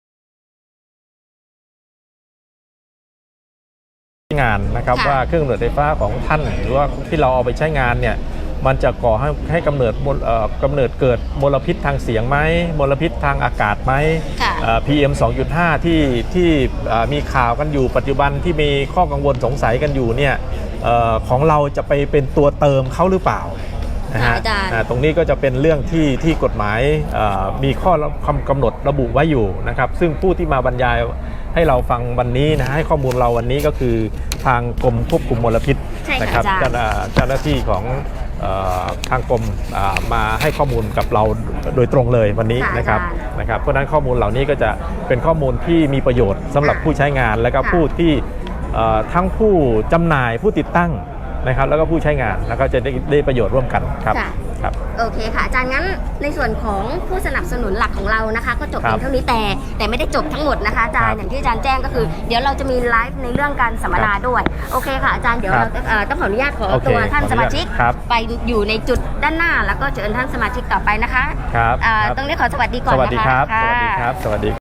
[SPEAKER 2] งานนะครับ
[SPEAKER 1] ค่ะ
[SPEAKER 2] ว่าเครื่องกำเนิดไฟฟ้าของท่านหรือว่าที่เราเอาไปใช้งานเนี่ยมันจะก่อให้ให้กำเนิดมลเอ่อกำเนิดเกิดมลพิษทางเสียงไหมมลพิษทางอากาศไหม
[SPEAKER 1] ค่ะ
[SPEAKER 2] เอ่อ พี เอ็ม สองจุดห้า ที่ที่เอ่อมีข่าวกันอยู่ปัจจุบันที่มีข้อกังวลสงสัยกันอยู่เนี่ยเอ่อของเราจะไปเป็นตัวเติมเขาหรือเปล่านะฮะ
[SPEAKER 1] ค่ะอาจารย์
[SPEAKER 2] อ่าตรงนี้ก็จะเป็นเรื่องที่ที่กฎหมายเอ่อมีข้อคำกำหนดระบุไว้อยู่นะครับซึ่งผู้ที่มาบรรยายให้เราฟังวันนี้นะให้ข้อมูลเราวันนี้ก็คือทางกรมควบคุมมลพิษ
[SPEAKER 1] ใช่ค่ะ
[SPEAKER 2] นะครับ
[SPEAKER 1] อาจารย์
[SPEAKER 2] เจ้าเจ้าหน้าที่ของเอ่อทางกรมอ่ามาให้ข้อมูลกับเราโดยตรงเลยวันนี้
[SPEAKER 1] ค่ะ
[SPEAKER 2] นะครับ
[SPEAKER 1] อาจารย์
[SPEAKER 2] นะครับเพราะฉะนั้นข้อมูลเหล่านี้ก็จะเป็นข้อมูลที่มีประโยชน์สำหรับ
[SPEAKER 1] ค่ะ
[SPEAKER 2] ผู้ใช้งานและก็
[SPEAKER 1] ค่ะ
[SPEAKER 2] ผู้ที่เอ่อทั้งผู้จำหน่ายผู้ติดตั้งนะครับแล้วก็ผู้ใช้งานแล้วก็จะได้ได้ประโยชน์ร่วมกันครับ
[SPEAKER 1] ค่ะ
[SPEAKER 2] ครับ
[SPEAKER 1] โอเคค่ะอาจารย์งั้นในส่วนของผู้สนับสนุนหลักของเรานะคะ ก็จบ
[SPEAKER 2] ครับ
[SPEAKER 1] เพียงเท่านี้แต่แต่ไม่ได้จบทั้งหมดนะคะอาจารย์
[SPEAKER 2] ครับ
[SPEAKER 1] อย่างที่อาจารย์แจ้งก็คือ เดี๋ยวเราจะมีไลฟ์ในเรื่องการสัมมนาด้วยโอเคค่ะอาจารย์เดี๋ยว
[SPEAKER 2] ครั
[SPEAKER 1] เรา
[SPEAKER 2] บ
[SPEAKER 1] เอ่อต้องขออนุญาตขอ
[SPEAKER 2] โอเค
[SPEAKER 1] ตัวท่าน
[SPEAKER 2] ขออนุญาต
[SPEAKER 1] สมาชิก
[SPEAKER 2] ครับ
[SPEAKER 1] ไปอยู่ในจุดด้านหน้า แล้วก็เชิญท่านสมาชิกต่อไปนะคะ
[SPEAKER 2] ครับ
[SPEAKER 1] อ่า
[SPEAKER 2] ครับ
[SPEAKER 1] ตรงนี้ขอสวัสดีก่อน
[SPEAKER 2] ส
[SPEAKER 1] นะคะ
[SPEAKER 2] วัสดีครับ ส
[SPEAKER 1] ค่ะ
[SPEAKER 2] วัสดีครับ สวัสดี